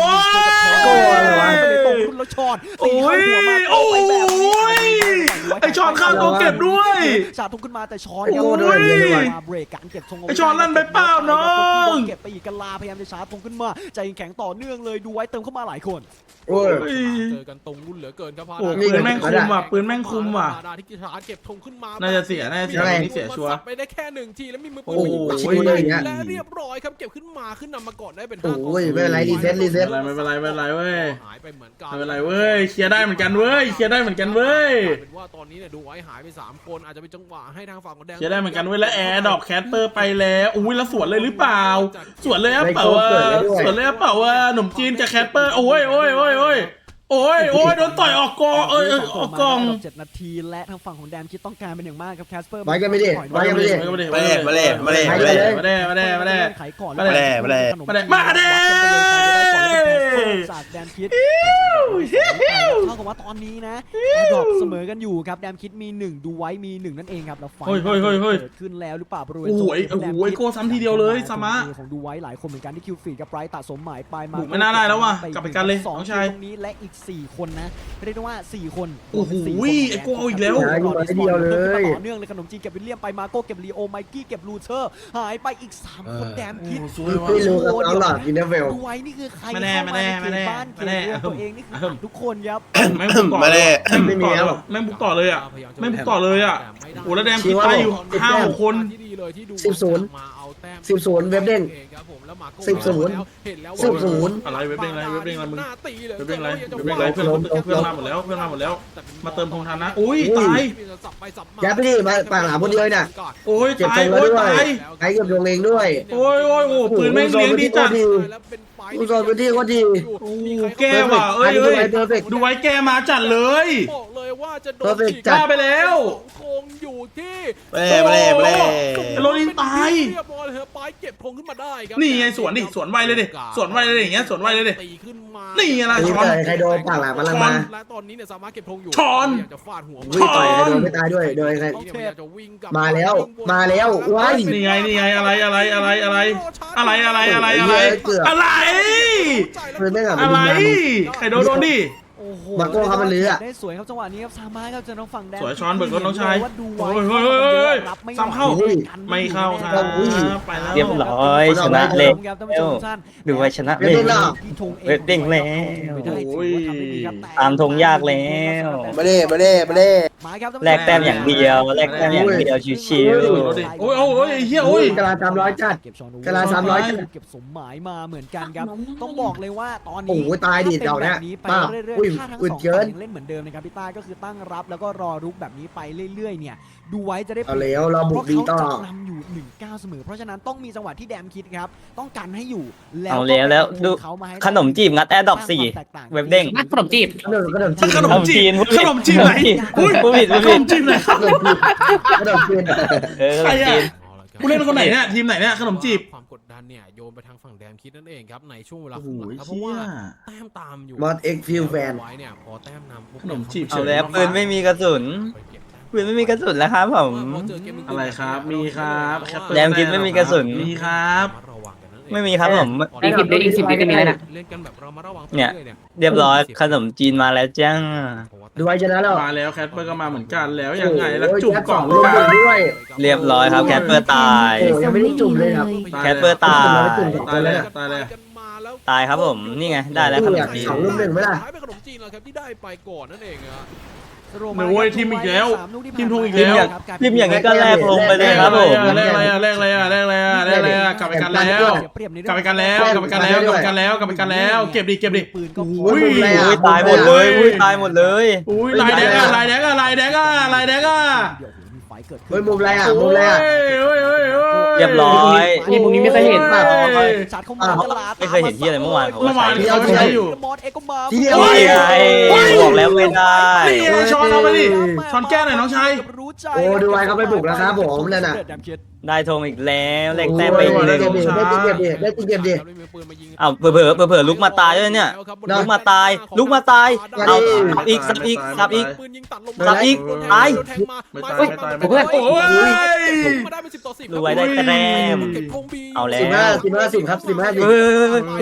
Speaker 4: ตรงรุ่นแล้วช็อตตีเข้าหัวมาไปแบบนี้
Speaker 1: ไอช็อตข้ามตัวเก็บด้วย
Speaker 4: ชาทุกขึ้นมาแต่ช้อน
Speaker 2: โอ้ด้วย
Speaker 4: มาเบรกการเก็บธง
Speaker 1: ไอช็อตลั่นไปเปล่าน้อง
Speaker 4: เก็บไปอีกกะลาพยายามจะชาร์จธงขึ้นมาใจแข็งต่อเนื่องเลยดูไว้เติมเข้ามาหลายคน
Speaker 2: โอ้ย
Speaker 3: เจอกันตรงรุ่นเหลือเกินครับ
Speaker 1: โอ้ปืนแม่งคุมว่ะปืนแม่งคุมว่ะ
Speaker 3: ดาที่กีฬาเก็บธงขึ้นมา
Speaker 1: น่าจะเสียน่าจะเสีย
Speaker 2: ใช่
Speaker 1: นี่เสียชัวร์
Speaker 3: ไปได้แค่1 ทีแล้วมีมือปืน
Speaker 1: โอ้โห
Speaker 3: และเรียบร้อยครับเก็บขึ้นมาขึ้นนำมาก่อนได้เป็น
Speaker 2: โอ้ยไม่เป็นไรรีเซ็ต
Speaker 1: ไม่เป็นไรไม่เป็นไรเว้ย
Speaker 3: หายไปเหมือนกัน
Speaker 1: ไม่เป็นไรเว้ยเคลียร์ได้เหมือนกันเว้ยเคลียร์ได้เหมือนกันเว้ย
Speaker 3: เป็นว่าตอนนี้เนี่ยดูไว้หายไป3 คนอาจจะเป็นจังหวะให้ทางฝั่งของแดง
Speaker 1: เคลียร์ได้เหมือนกันเว้ยแล้วแอร์ดอกแคสเปอร์ไปแล้วอุ้ยแล้วสวนเลยหรือเปล่าสวนเลยอะเปล่าว่าสวนเลยอะเปล่าว่าหนุ่มจีนกับแคสเปอร์โอ้ยโอ้ยโอ้ยโอ้ยโอ้ยโอ้ยโดนต่อยออกกองออกกอง
Speaker 4: 7 นาทีและทางฝั่งของแดนคิดต้องการเป็นอย่างมากครับแคสเปอร์
Speaker 2: ไว้กันไม่ได้ไว้กันไม่ได้
Speaker 7: มาแน่มาแน่มาแน่มาแน่
Speaker 1: มาแน่มาแน่มาแน่
Speaker 4: ไขก่อน
Speaker 1: มาแน่
Speaker 7: มาแน่
Speaker 1: มาแน่
Speaker 4: จากแดนคิดเท่ากับว่าตอนนี้นะดรอปเสมอกันอยู่ครับแดนคิดมี1ดูไว้มี1นั่นเองครับแล้วไฟเกิดขึ้นแล้วหรือเปล่าบริเวณ
Speaker 1: โอ้ยโอ้โหโก้ซ้ำทีเดียวเลยซามะ
Speaker 4: ของดูไว้หลายคนเหมือนกันที่คิวฟีดกับไบรท์ตัดสมหมายไปมา
Speaker 1: บุกไม่น่าได้แล้วว่ะกลับไปกันเลยน้องชาย
Speaker 4: ตรงนี้และอีก4คนนะเรียกได้ว่า4คน
Speaker 1: โอ้โหไอ้โก้เอาอีกแล้ว
Speaker 4: ต่อเนื่องเลยขนมจีนเก็บวิลเลียมไปมาโก้เก็บลีโอไมกี้เก็บลูเทอร์หายไปอีก3คนแดมคิด
Speaker 2: ไม่รู้ครับเอาหลักอินเทอร์เวล
Speaker 4: ดูไว้นี่คือใคร
Speaker 1: มาแน่
Speaker 4: เข้ามาในเข
Speaker 1: มา
Speaker 4: ต
Speaker 1: แน่
Speaker 4: บ้านเข
Speaker 1: มา
Speaker 4: ต
Speaker 1: แน่
Speaker 4: เรือนตัวเองนี่คือทุกคนครับ
Speaker 1: แม่งบุกต่อ
Speaker 7: มาแน่
Speaker 1: แม่งบุกต่อเลยแม่งบุกต่อเลยอ่ะแม่งบุกต่อเลยอ่ะโอ้แล้วแดมคิดตายอยู่5-6 คน
Speaker 2: 10-0เว็บเด้ง
Speaker 1: อะไรเว็บเด้งอะไรเว็บเด้งอะไรมึงเว็บเด้งอะไรเว็บเด้งอะไรเพื่อนมาหมดแล้วเพื่อนมาหมดแล้วมาเติมธงทันนะอุ้ยตาย
Speaker 2: ยัดไปดิมาปากหลาคนเดียวน่ะ
Speaker 1: โอ้ย
Speaker 2: เจ็บ
Speaker 1: ตา
Speaker 2: ต
Speaker 1: ย
Speaker 2: รงแล้ว
Speaker 1: โอ้ย
Speaker 2: ด้วย
Speaker 1: ตาย
Speaker 2: ไอ้เก็บดวงเองด้วย
Speaker 1: โอ้ยโอ้ยโอ้ปืนแม่งเลี้ยงดีจัด
Speaker 2: ผู้สอนพื้นที่ก็ดี
Speaker 1: โอ้แก้ว่ะเอ้ยเอ้ยดูไว้แกมาจัดเลย
Speaker 3: บอกเลยว่าจะโดน
Speaker 2: Perfect
Speaker 1: กล้าไปแล้ว
Speaker 3: คงอยู่ที่
Speaker 7: มาแน่มาแน่มาแน่
Speaker 1: โรลินตาย
Speaker 3: เรียบร้อยเลยครับไปเก็บธงขึ้นมาได้ครับ
Speaker 1: นี่ไงสวนดิสวนไวเลยดิสวนไวเลยอย่างเงี้ยสวนไวเลยดิ
Speaker 3: ตีขึ้นมา
Speaker 1: นี่ไงล่ะ
Speaker 2: นี่เตยใครโดนปากหลามันลังมา
Speaker 3: และตอนนี้เนี่ยสามารถเก็บธงอยู่
Speaker 1: ช้อน
Speaker 3: อยากจะฟาดหัว
Speaker 2: วิ่งต่อยใครโดนไม่ตายด้วยโดยใคร
Speaker 3: พยายามจะวิ่งกลับ
Speaker 2: มาแล้วมาแล้วว้าย
Speaker 1: นี่ไงนี่ไงอะไรอะไรอะไรอะไรอะไรอะไรอะไรอะไรอะไร
Speaker 2: ปืนไม่กลับ
Speaker 1: อะไรใครโดนโดนดิ
Speaker 4: โอ้โห
Speaker 2: มาโก้ครับมันเรือ
Speaker 4: ได้สวยครับจังหวะนี้ครับซามาครับเจอน้องฝั่งแดน
Speaker 1: สวยช้อนเบิกรถน้องชาย
Speaker 4: ว่าดูไว้
Speaker 1: โอ้ยเฮ้ยเฮ้ยเฮ้ย
Speaker 4: รับไม่
Speaker 1: ซ้ำเข้า
Speaker 4: ไหว
Speaker 1: ไม่เข้าครับไปแล้ว
Speaker 5: เรียบร้อยชนะเลย
Speaker 4: ครับท่านผู้ชมทุกท่าน
Speaker 5: ดูไว้ชนะเลย
Speaker 4: ที่ธง
Speaker 5: เว็บเด้งแล้ว
Speaker 4: ไม่ได้ถือว่าทำได้ดีครับแต่
Speaker 5: ตามธงยากแล้ว
Speaker 7: มาแน่มาแน่มาแน่
Speaker 4: มาครับ
Speaker 5: แลกแต้มอย่างเดียวแลกแต้มอย่างเดียวชิว
Speaker 1: โอ้ยโอ้ยเฮียโอ้ย
Speaker 2: กะลา300จัด
Speaker 4: เก็บชอน
Speaker 2: กะลา300
Speaker 4: เก็บสมหมายมาเหมือนกันครับต้องบอกเลยว่าตอนนี้
Speaker 2: โอ้โหตายดิเดี๋ยวเนี่ย
Speaker 4: ไป
Speaker 2: ป้า
Speaker 4: เรื่อย
Speaker 2: อุ้ย
Speaker 4: ๆถ้าทั้ง
Speaker 2: อึ
Speaker 4: ส
Speaker 2: ด
Speaker 4: อง
Speaker 2: เกิ
Speaker 4: ฝ่าย
Speaker 2: น
Speaker 4: ยังเล่นเหมือนเดิมนะครับพี่ต้าก็คือตั้งรับแล้วก็รอรุกแบบนี้ไปเรื่อยๆเนี่ยดูไว้จะได้
Speaker 2: เอาแล้วเราบุกดีต่อ
Speaker 4: เพราะเขาจะนำอยู่1-9เสมอเพราะฉะนั้นต้องมีจังหวะที่แดมคิดครับต้องกันให้อยู่
Speaker 5: ๆเอาแล้วดู
Speaker 4: เขามาให้
Speaker 5: ขนมจีบงัดแอร์ดรอป4เว็บเด้ง
Speaker 6: ขนมจีบ
Speaker 2: ขนมจีน
Speaker 1: ขนมจีนขนมจีนไหนอุ้ย
Speaker 5: ผู้ผิดผู้
Speaker 1: ข
Speaker 5: ผิ
Speaker 1: น
Speaker 5: ด
Speaker 1: มจีนไหนครับ
Speaker 2: ขนมจีน
Speaker 5: ขนมจีน
Speaker 1: ผู้เล่นคนไหนเนี่ยทีมไหนเนี่ยขนมจีบ
Speaker 3: ความกดดันเนี่ยโยนไปทางฝั่งแดมคิดนั่นเองครับในช่วงเวลา
Speaker 1: โอ้โห
Speaker 3: ครึ่งหลังครับเพ
Speaker 1: เชี่
Speaker 3: ราะว่าย แต้มตามอยู่
Speaker 2: มอสเอ็กซ์ฟิลแฟน
Speaker 3: ไว้เนี่ยพอแต้มนำปุ๊บ
Speaker 1: ขนมจีบ
Speaker 5: เอาแล้วปืนไม่มีกระสุน
Speaker 3: ไปเก็บแต้ม
Speaker 5: ปืนไม่มีกระสุนแล้วครับผม
Speaker 3: พอเจอเกม
Speaker 1: อะไรครับมีครับแคปเปอร์
Speaker 5: แดมคิดไม่มีกระสุน
Speaker 1: มีครับ
Speaker 3: ระวังกันนั่นเอง
Speaker 5: ไม่มีครับผม
Speaker 6: อีก10เดือนอีก10เดือนจะมีแล้วนะ
Speaker 3: เล่นกันแบบเรามาระวัง
Speaker 5: เนี่ย
Speaker 3: ไปรื่อ
Speaker 5: เรียบร้อยขนมจีนมาแล้วจ้า
Speaker 3: เพราะว่า
Speaker 2: ดูไว้ชนะแล้ว
Speaker 1: มาแล้วแคทเปอร์ก็มาเหมือนกันแล้วยังไงแล้ว
Speaker 2: โอ้ย
Speaker 1: จุ่ม
Speaker 2: แจ็ค
Speaker 1: กล่อง
Speaker 2: ส
Speaker 1: หรือเปล่า
Speaker 2: ลูกด้วย
Speaker 5: เรียบร้อยครับแคทเปอร์ตาย
Speaker 2: โอ้ยังไม่ได้จุ่มเลยครับ
Speaker 5: แคทเปอร์ตาย
Speaker 1: ตายแล้วตายแล้ว
Speaker 5: ตายครับผมนี่ไงได้แล้วขนมจีน
Speaker 2: สองลูกหนึ่งไหมล่ะ
Speaker 3: หายไปขนมจีนแล้วครับที่ได้ไปก่อนนั่นเองอะ
Speaker 1: เนี่ยโว้ยทีมอีกแล้วทีมทงอีก
Speaker 5: ทีม
Speaker 1: แล้ว
Speaker 5: อย่างนี้ก็แลกลงไปเลยครับผม
Speaker 1: แรกอะไรอ่ะแรกอะไรอ่ะแรกอะไรอ่ะแรกอะไรอ่ะกลับไปกันแล้ว กลับไปกันแล้วกลับไปกันแล้วกลับไปกันแล้วกลับไปกันแล้วเก็บดิเก็บดิ
Speaker 4: ปืนก็พ
Speaker 1: อุ้
Speaker 4: อย
Speaker 5: อุ้ยตายหมดเลยอุ้ยตายหมดเลย
Speaker 1: อุ้ยลายแดงอ่ะลายแดงอ่ะลายแดงอ่ะลายแดงอ่ะ
Speaker 4: เดี๋ยวมีไฟเกิดขึ้น
Speaker 2: เฮ้ยมุมอะไรอ่ะมุมอะไรอ่ะ
Speaker 1: โอ้ยโอ้ยโอ้ย
Speaker 5: เรียบร้อย
Speaker 6: นี่พวกนี้ไม่เคยเห็นป่ะ
Speaker 4: ชัดเข้ามาตลาด
Speaker 5: ไม่เคยเห็นที่อะไรเมื่อวานผม
Speaker 1: เมื่อวานเขาใช้อยู่
Speaker 4: มอสเอ็กก็มา
Speaker 2: ทีเดียว
Speaker 5: นี่ไงบอกแล้วไม่ได้
Speaker 1: นี่ไงช้อนเอาไปดิช้อนแก้หน่อยน้องชาย
Speaker 4: รู้ใจ
Speaker 2: โอ้ดูไว้เขาไปบุกแล้วครับผมนั่นน่ะ
Speaker 5: ได้ธงอีกแล้วแลกแต้มไป
Speaker 2: โอ้ย
Speaker 5: ห
Speaker 2: ได้
Speaker 5: นึ่ง
Speaker 2: เก็บดิได้เก็บดิ
Speaker 5: อ้าวเผลอลุกมาตายด้วยเนี่ยลุกมาตายลุกมาตายเอาสับอีกสับอีกสับอีก
Speaker 3: ปืนยิงตัดลง
Speaker 5: สับอีกตาย
Speaker 3: โดนแทงมา
Speaker 1: ไม่ตาย
Speaker 3: เฮ้ย
Speaker 1: ไม่ตาย
Speaker 3: โอ้
Speaker 1: ไม่ตาย
Speaker 3: ย
Speaker 1: โอ้ย
Speaker 3: มาได้เป็น10-10
Speaker 5: ดูไว้ได้แต้ม
Speaker 3: เก็บธงบี
Speaker 5: เอาแล้ว
Speaker 2: 15ครับ15
Speaker 5: เออ
Speaker 2: 15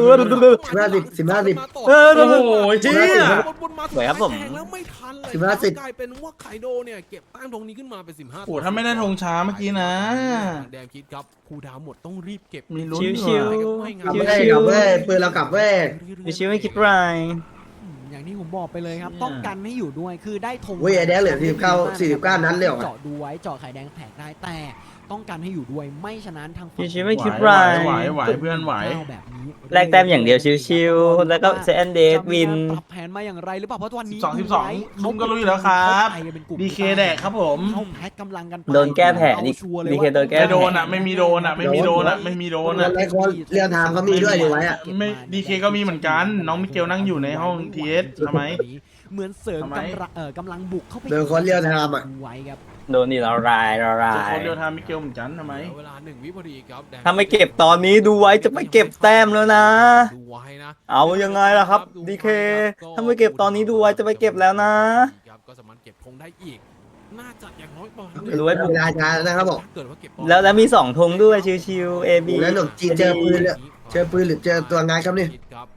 Speaker 2: 15
Speaker 5: เออ
Speaker 1: โอ้โหเจี๊ย
Speaker 3: วนมา
Speaker 5: สวยครับผม
Speaker 3: แทงแล้วไม่ทันเลย
Speaker 2: 15
Speaker 3: กลายเป็นว่าไคโดเนี่ยเก็บแต้มธงนี้ขึ้นมาเป็น15
Speaker 1: โอ้ถ้าไม่ได้ธงช้าเมื่อกี้นะ
Speaker 3: แดงคิดครับครูดาวหมดต้องรีบเก็บ
Speaker 1: มีลุ้น
Speaker 5: ชิว
Speaker 3: ไม่
Speaker 2: กลับ
Speaker 3: งั้น
Speaker 2: เว้ยกลับเว้ยปืนเรากลับเว้ย
Speaker 5: มีชีวิตไม่คิดไร
Speaker 4: อย่างที่ผมบอกไปเลยครับ ต้องกันให้อยู่ด้วยคือได้ธง
Speaker 2: เว้ยไอ้แดงเหลือ49นัดเลยเหรอ
Speaker 4: เจาะดูไว้เจาะไข่แดงแผกได้แต่ต้องกันให้อยู่ด้วยไม่ฉะนั้นทางฝั่
Speaker 5: มี
Speaker 4: ง
Speaker 5: ชีวิตไม่คิด
Speaker 1: ไหว
Speaker 5: ไร
Speaker 1: ไหวเพื่อนไหว
Speaker 4: แบบนี้
Speaker 5: แลกแต้มอย่างเดียวชิวๆแล้วก็เซนเดสวิน
Speaker 4: ปรับแผนมาอย่างไรหรือเปล่าเพราะวันนี้
Speaker 1: 12ลุงก็รู้อยู่แล้วครับ ดีเคแดกครับผม
Speaker 4: เขาแพ็กกำลังกันไป
Speaker 5: โดนแก้แผนอีก
Speaker 4: เอาชัวร์เลย
Speaker 5: ดีเคโดนแก้
Speaker 1: ไม่โดนอ่ะไม่มีโดนอ่ะไม่มีโดนอ่ะไม่มีโดนอ่ะ
Speaker 2: ในคนเรียลไทม์เขามีด้วยดูไว้อ่ะ
Speaker 1: ไม่ดีเคก็มีเหมือนกัน น้องมิเกลนั่งอยู่ในห้องทีเอสทำไม
Speaker 4: เหมือนเสริม
Speaker 1: ทำไม
Speaker 4: กำลังบุกเข้าไป
Speaker 2: โดนคนเรียลไทม์อ่ะ
Speaker 4: ดูไว้ครับ
Speaker 5: โดนนี่ละลาย
Speaker 1: คนเดียวทำมิเกลเหมือนกันทำไม
Speaker 3: เวลา1 วิพอดีครับแดง
Speaker 5: ถ้าไม่เก็บตอนนี้ดูไว้จะไม่เก็บแต้มแล้วนะ
Speaker 3: ดูไว้นะ
Speaker 5: เอายังไงล่ะครับดีเคถ้าไม่เก็บตอนนี้ดูไว้จะไปเก็บแล้วนะ
Speaker 3: ครับก็สามารถเก็บธงได้อีกน่าจะอย่างน้อยประมาณ
Speaker 5: ดูไว้
Speaker 2: เวลาช้านะครับบอก
Speaker 3: เกิดว่าเก็บ
Speaker 5: แล้วมี2ธงด้วยชิวๆ A B
Speaker 2: แล้วหนุ่มจีนเจอปืนเลยเจอปืนหรือเจอตัวงานครับนี่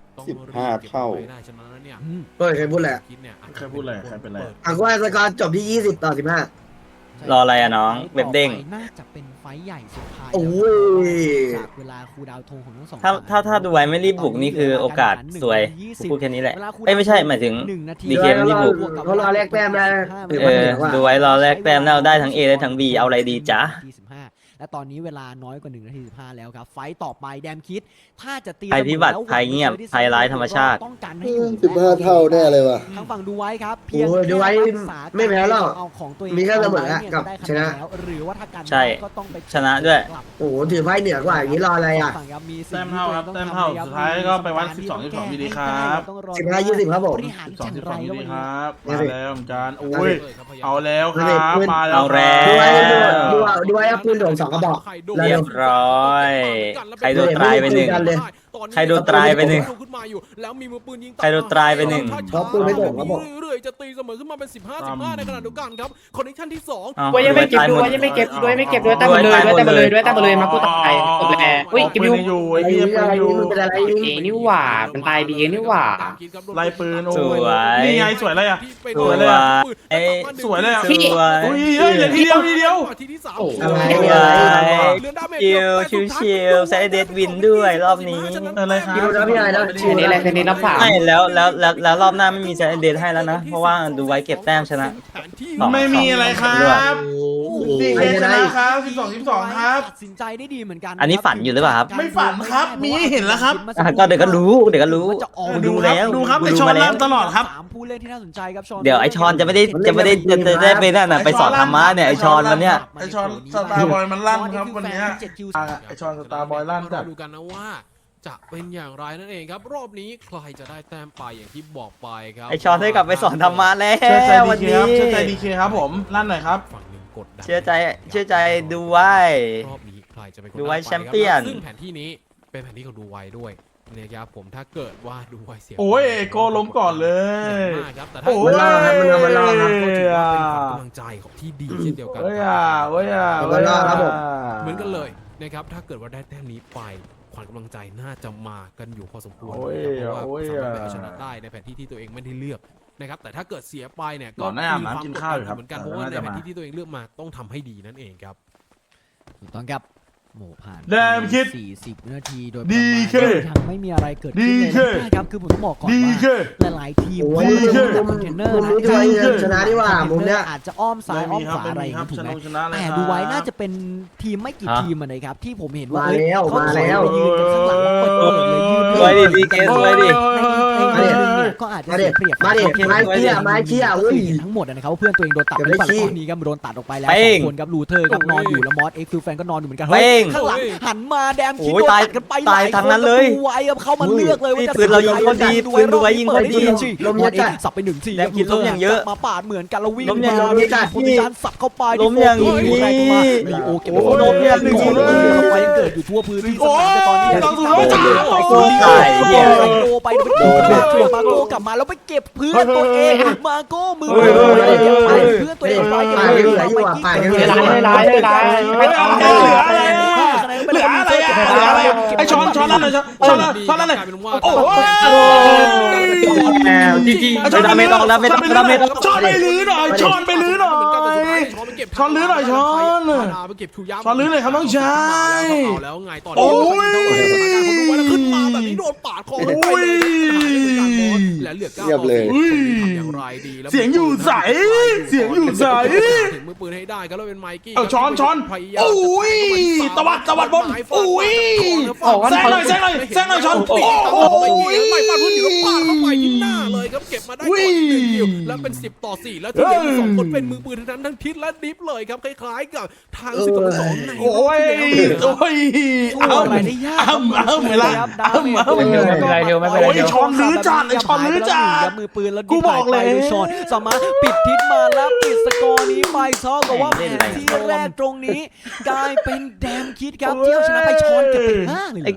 Speaker 7: 15 เท่า
Speaker 3: ได้ฉะนั้นแล้วเนี่ย
Speaker 2: เฮ้ยใครพูดแหละ
Speaker 1: ใครพูดอะไรใครเป็นไร
Speaker 2: อ่ะก็สกอร์จบที่20-15
Speaker 5: รออะไรอะน้องเว็บเด้ง
Speaker 4: น่าจะเป็นไฟท์ใหญ่สุดท้าย
Speaker 2: โอ้ย
Speaker 4: จากเวลาคูลดาวน์ธงของทั้งสอง
Speaker 5: ถ้าดูไว้ไม่รีบบุกนี่คือโอกาสสวยพูดแค่นี้แหละ
Speaker 4: เวลาคูลดาวน์
Speaker 5: เอ้ยไม่ใช่หมายถึง
Speaker 4: 1 นาที
Speaker 5: ดีเคไม่รีบบุก
Speaker 2: เขารอแลกแต้มได้
Speaker 5: เออดูไว้รอแลกแต้มแล้วได้ทั้ง A ได้ทั้ง B เอาอะไรดีจ๊ะ
Speaker 4: และตอนนี้เวลาน้อยกว่า1 นาที 15 แล้วครับไฟต์ต่อไปแดมคิดถ้าจะตี
Speaker 5: ภัยพิบัติภัยเงียบภัยร้ายธรรมชาติ
Speaker 4: ต้องการให้อยู่
Speaker 7: 15 เท่าแน่เลยว่ะ
Speaker 4: ทางฝั่งดูไว้ครับ
Speaker 2: โอ้ยดูไว้ไม่แพ้หรอก
Speaker 4: เอาของตัวเอง
Speaker 2: มีแค่เสมออะกับชนะ
Speaker 4: แล้วหรือว่าถ้ากัน
Speaker 5: ใช่
Speaker 4: ก็ต้องไป
Speaker 5: ชนะด้วย
Speaker 2: โอ้โหถือไพ่เหนือกว่าอย่างนี้รออะไรอ่ะ
Speaker 4: ฝั่งครับมี
Speaker 1: แต้มเท่าครับแต้มเท่าสุดท้ายก็ไปวัด12-12ดีครับ
Speaker 2: 15-20ครับผม
Speaker 4: บริหารจังไร
Speaker 1: 12-12
Speaker 4: แล้ว
Speaker 1: ดี
Speaker 4: วัน
Speaker 1: ค
Speaker 4: นี้
Speaker 1: รับมาแล้วเหมือนกันโอ้ยเอาแล้วครับมาแล้ว
Speaker 5: เอาแล้ว
Speaker 2: ดูไว้ดูไว้ปืนโดน2 กระบอก
Speaker 5: เรียบร้อยใครโดนตายไปหนึ่ง ใครโดนตายไปหนึ่ง
Speaker 3: ขึ้นมาอยู่แล้วมีมือปืนยิง
Speaker 5: ใครโดนตายไปหนึ่ง
Speaker 2: เพราะปืนไม่โดนครับผม
Speaker 3: เรื่อยๆจะตีเสมอขึ้นมาเป็น15-15ในขณะเดียวกันครับคอนเนคชั่นที่2
Speaker 5: อ้าว
Speaker 6: ด้วยยังไม่เก็บด้วยยังไม่เก็บด้วยไม่เก็บด้วยตั้งหมดเลยด้วยตั้งหมดเลยด้วยตั้งหมดเลยมากูตายจบแล้วอุ้ยกิบิว
Speaker 1: อยู่ไอ้เหี้ยปืนอยู่
Speaker 2: มันเป็นอะไร
Speaker 6: เอนี่หว่ามันตายบีเอนี่หว่า
Speaker 1: ไล่ปืนโอ้
Speaker 5: สวย
Speaker 1: นี่ไงสวยเลยอ่ะ
Speaker 5: สวยเลยอะเอ้ย
Speaker 1: สวยเลยอ่ะ
Speaker 5: สวย
Speaker 1: อุ้ยเฮ้ยเหลือทีเดียวทีเดียว
Speaker 3: ทีที่3
Speaker 6: โอ้โห
Speaker 2: อะไร
Speaker 5: ชิวๆใช้เดดวินด้วยรอบนี้
Speaker 1: อะไรครับ
Speaker 2: คิวนะพี่ไอ้นะ
Speaker 6: อันนี้อะไรคืนนี้รับฝาก
Speaker 5: ไม่แล้วรอบหน้าไม่มีใช้เดดให้แล้วนะ เพราะว่าดูไว้เก็บแต้มชนะ
Speaker 1: ไม่มีอะไรครับดีเคชนะครับ12-12ครับ
Speaker 4: ตัดสินใจได้ดีเหมือนกัน
Speaker 5: อันนี้ฝันอยู่หรือเปล่าครับ
Speaker 1: ไม่ฝันครับมีให้เห็นแล้วครับ
Speaker 5: อ่ะก็เดี๋ยวก็รู้เดี๋ยวก็รู้
Speaker 4: ว่าจะออก
Speaker 5: ดูแล้ว
Speaker 1: ดูครับ
Speaker 5: ดู
Speaker 1: ไอชอน
Speaker 5: มาแล้ว
Speaker 1: ลั่นตลอดครับ
Speaker 4: สามผู้เล่นที่น่าสนใจครับชอน
Speaker 5: เดี๋ยวไอชอนจะไม่ได้ได้ไปนั่นน่ะไปสอนธรรมะเนี่ยไอชอนมันเนี่ย
Speaker 1: ไอชอนสตาร์บอยมันลั่นครับวันเนี้ยไอชอนสตาร์บอยลั่นจัด
Speaker 3: ดูกันนะว่าจะเป็นอย่างไรนั่นเองครับรอบนี้ใครจะได้แต้มไปอย่างที่บอกไปครับ
Speaker 5: ไอชอนได้กลับไปสอนธรรมะแล้
Speaker 1: เชื่อใจ
Speaker 5: ว
Speaker 1: ดี
Speaker 5: วัน
Speaker 1: เค
Speaker 5: นี้
Speaker 1: ครับเชื่อใจดีเคครับผมลั่นหน่อยครับ
Speaker 3: ฝั่งหนึ่งกดดัน
Speaker 5: เชื่อใจดูไว้
Speaker 3: รอบนี้ใครจะเป็นคน
Speaker 5: ดูไว้
Speaker 3: ด้ป
Speaker 5: แชมเปี้ยน
Speaker 3: ซึ่งแผนที่นี้เป็นแผนที่ของดูไว้ด้วยนะครับผมถ้าเกิดว่าดูไว้เสีย
Speaker 1: โอ้ยโกล้มก่อนเลย
Speaker 3: มากครับแต่ถ้า
Speaker 1: โอ้ย
Speaker 2: มันรอครับ
Speaker 3: ก็ถือว่าเป็นกำลังใจของที่ดีเช่นเดียวกัน
Speaker 1: เว้ยอ่ะเว้ยอ่ะ
Speaker 2: มันรอครับผม
Speaker 3: เหมือนกันเลยนะครับถ้าเกิดว่าได้แต้มนี้ไปขวัญกำลังใจน่าจะมากันอยู่พอสมควร
Speaker 1: โอ้ย
Speaker 3: นะครับเพราะว่า
Speaker 1: โอ้ย
Speaker 3: สามารถไปเอาชนะได้ในแผนที่ที่ตัวเองไม่ได้เลือกนะครับแต่ถ้าเกิดเสียไปเนี่ย
Speaker 1: ก่อนหน้าอาบน้ำกินข้าวอยู่ครับ
Speaker 3: เหมือนกันเพราะว่าใน
Speaker 1: น่าจะ
Speaker 3: แผน
Speaker 1: มา
Speaker 3: ที่ที่ตัวเองเลือกมาต้องทำให้ดีนั่นเองครับ
Speaker 4: ถูกต้องครับโหผ่าน
Speaker 1: แดมคิด
Speaker 4: 40วินาทีโดย
Speaker 1: ดี
Speaker 4: ประมาณ
Speaker 1: เค
Speaker 4: ยังไม่มีอะไรเกิดขึ้นเลย
Speaker 1: ดีเค
Speaker 4: นะครับคือผมต้องบอกก่อน
Speaker 1: ดี
Speaker 4: ว่า
Speaker 1: เค
Speaker 4: หลายๆทีม
Speaker 2: โอ้ย
Speaker 4: ไม่
Speaker 2: มุม
Speaker 4: ได้
Speaker 2: มุม
Speaker 4: คอนเทนเนอร์
Speaker 2: มุมนี้ด้วยเงินชนะดีกว่ามุมเนี้ย
Speaker 4: อาจจะอ้อมซ้ายอ้อมขวา
Speaker 1: ไม่
Speaker 4: อะไร
Speaker 1: มี
Speaker 4: อ
Speaker 1: ครั
Speaker 4: ย่า
Speaker 1: บ
Speaker 4: งนี้ถูกไหม
Speaker 1: ชนะเลย
Speaker 4: แต่
Speaker 1: ครับ
Speaker 4: ดูไว้น่าจะเป็นทีมไม่กี่ทีมอะนะครับที่ผมเห็นว่า
Speaker 2: มาแล้ว
Speaker 4: เอ้ย
Speaker 2: มาแล้ว
Speaker 4: เขาถอยไปยืนกันข้างหลังเปิดเลยยืน
Speaker 5: สวยดิดีเกสวยดิ
Speaker 4: ในนึงเนี่ยก็อาจจะ
Speaker 2: มา
Speaker 4: เสี
Speaker 2: ดิ
Speaker 4: ยเปรียบ
Speaker 2: มาดิไม้เชี่ยไม้เชี่ย
Speaker 4: ก็
Speaker 2: อุ้
Speaker 4: คื
Speaker 2: ย
Speaker 4: อเห็นทั้งหมดนะครับว่าเพื่อนตัวเองโดนตัดไปหรือเปล่า
Speaker 2: เก็บได้ขี้
Speaker 4: ตอนนี้ก็โดนตัดออกไปแล้ว
Speaker 5: เป้
Speaker 4: สอง งคนครับลูเทอร์ครับนอนอยู่แล้วมอสเอ็กซ์ฟิลแฟนก็นอนอยู่เหมือนกัน
Speaker 5: เป้ง
Speaker 4: ข้างหลังหันมาแดมคิด
Speaker 5: โอ้ย
Speaker 4: โดน
Speaker 5: ตาย
Speaker 4: ตัดกันไป
Speaker 5: ตายทางนั้นเลย
Speaker 4: ดูไว้ครับเข้ามาเลือกเลยว่าจะ
Speaker 5: ปืนเรายิงคนดีปืนดูไว้ยิงคนดี
Speaker 4: ลมเยอะสับไป1 ที
Speaker 5: แดมคิดล้มอย่างเยอะ
Speaker 4: มาปาดเหมือนกันแล้ววิ่ง
Speaker 5: ล้มอย่าง
Speaker 4: มา
Speaker 5: เยอะ
Speaker 4: โพซิชั่นสับเข้าไป
Speaker 5: ล้มอย่างนี้
Speaker 4: แรงมาลีโอเก็บ
Speaker 5: โอ้โหล้มอย่างนี้
Speaker 4: เข้าไปยังเกิดอยู่ทั่วพื้นที่สนามแต่ตอนนี้
Speaker 1: โอ้ย
Speaker 4: ตายโดไปโดนมาโก้กลับมาแล้วไปเก็บเพื่อนตัวเองมาโก้มือเพื่อนตัวเองไปเก็บ
Speaker 2: เหลืออยู่อ่ะป่ายังเหลือ
Speaker 6: ไม่ต้อง
Speaker 1: เหลืออะไรเหลืออะไรไอช้อนนั่นเลยช้อนนั่นเลยโอ้ย
Speaker 6: จีจี
Speaker 1: ช้อน
Speaker 5: ไม่ต้องแล้วไม่ต้องแล้วไม่ต้อง
Speaker 1: ช้อนไปลื้อหน่อยช้อนไปลื้อหน่อย ช้อนลื้อหน่อยช้อน
Speaker 3: ไปเก็บชูย่า
Speaker 1: ช้อนลื้อหน่อยครับน้องชาย
Speaker 3: เอาแล้วไงต่อ
Speaker 1: โอ้ย
Speaker 3: สถานการณ์เขาดูไว้แล้วขึ้นมาแบบนี้โดนปาดคอไปเลยและเหลือ9
Speaker 7: เรียบเลย
Speaker 3: ทำอย่างไรดีแล้ว
Speaker 1: เสียงอยู่ใสเสียงอยู่ใส
Speaker 3: ถึงมือปืนให้ได้ก็แล้วเป็นไมกี้
Speaker 1: เอาช้อนโอ้ยตวัดบนโอ้ยแซงหน่อยช้อนโอ้ย
Speaker 3: ไม่ฟาดพื้นอยู่แล้วปาดเข้าไปที่หน้าเลยครับเก็บมาได้ก่อน1 คิวแล้วเป็น10-4แล้วที่เหลืออยู่2 คนเป็นมือปืนทั้งทิศและดิฟเลยครับคล้ายๆกับทาง10-2ใน
Speaker 1: โอ้ยเอา
Speaker 4: อะไรได้ยาก
Speaker 1: เอาเวลาเอา
Speaker 6: ไม่เป็นไรเดียวไม่เป็นไร
Speaker 1: โอ้ย
Speaker 6: เดียว
Speaker 1: ช้อนลื้อจัดไอช้อนลื้อจัด
Speaker 4: มือปืนแล้ว
Speaker 1: กูบอกเลย
Speaker 4: ชอนสามารถปิดทิศมาแล้วปิดสกอร์นี้ไปเท่ากับว่าแผนที่แรกตรงนี้กลายเป็นแดมคิดครับที่เอาชนะไปชอนเก็บไป5เลย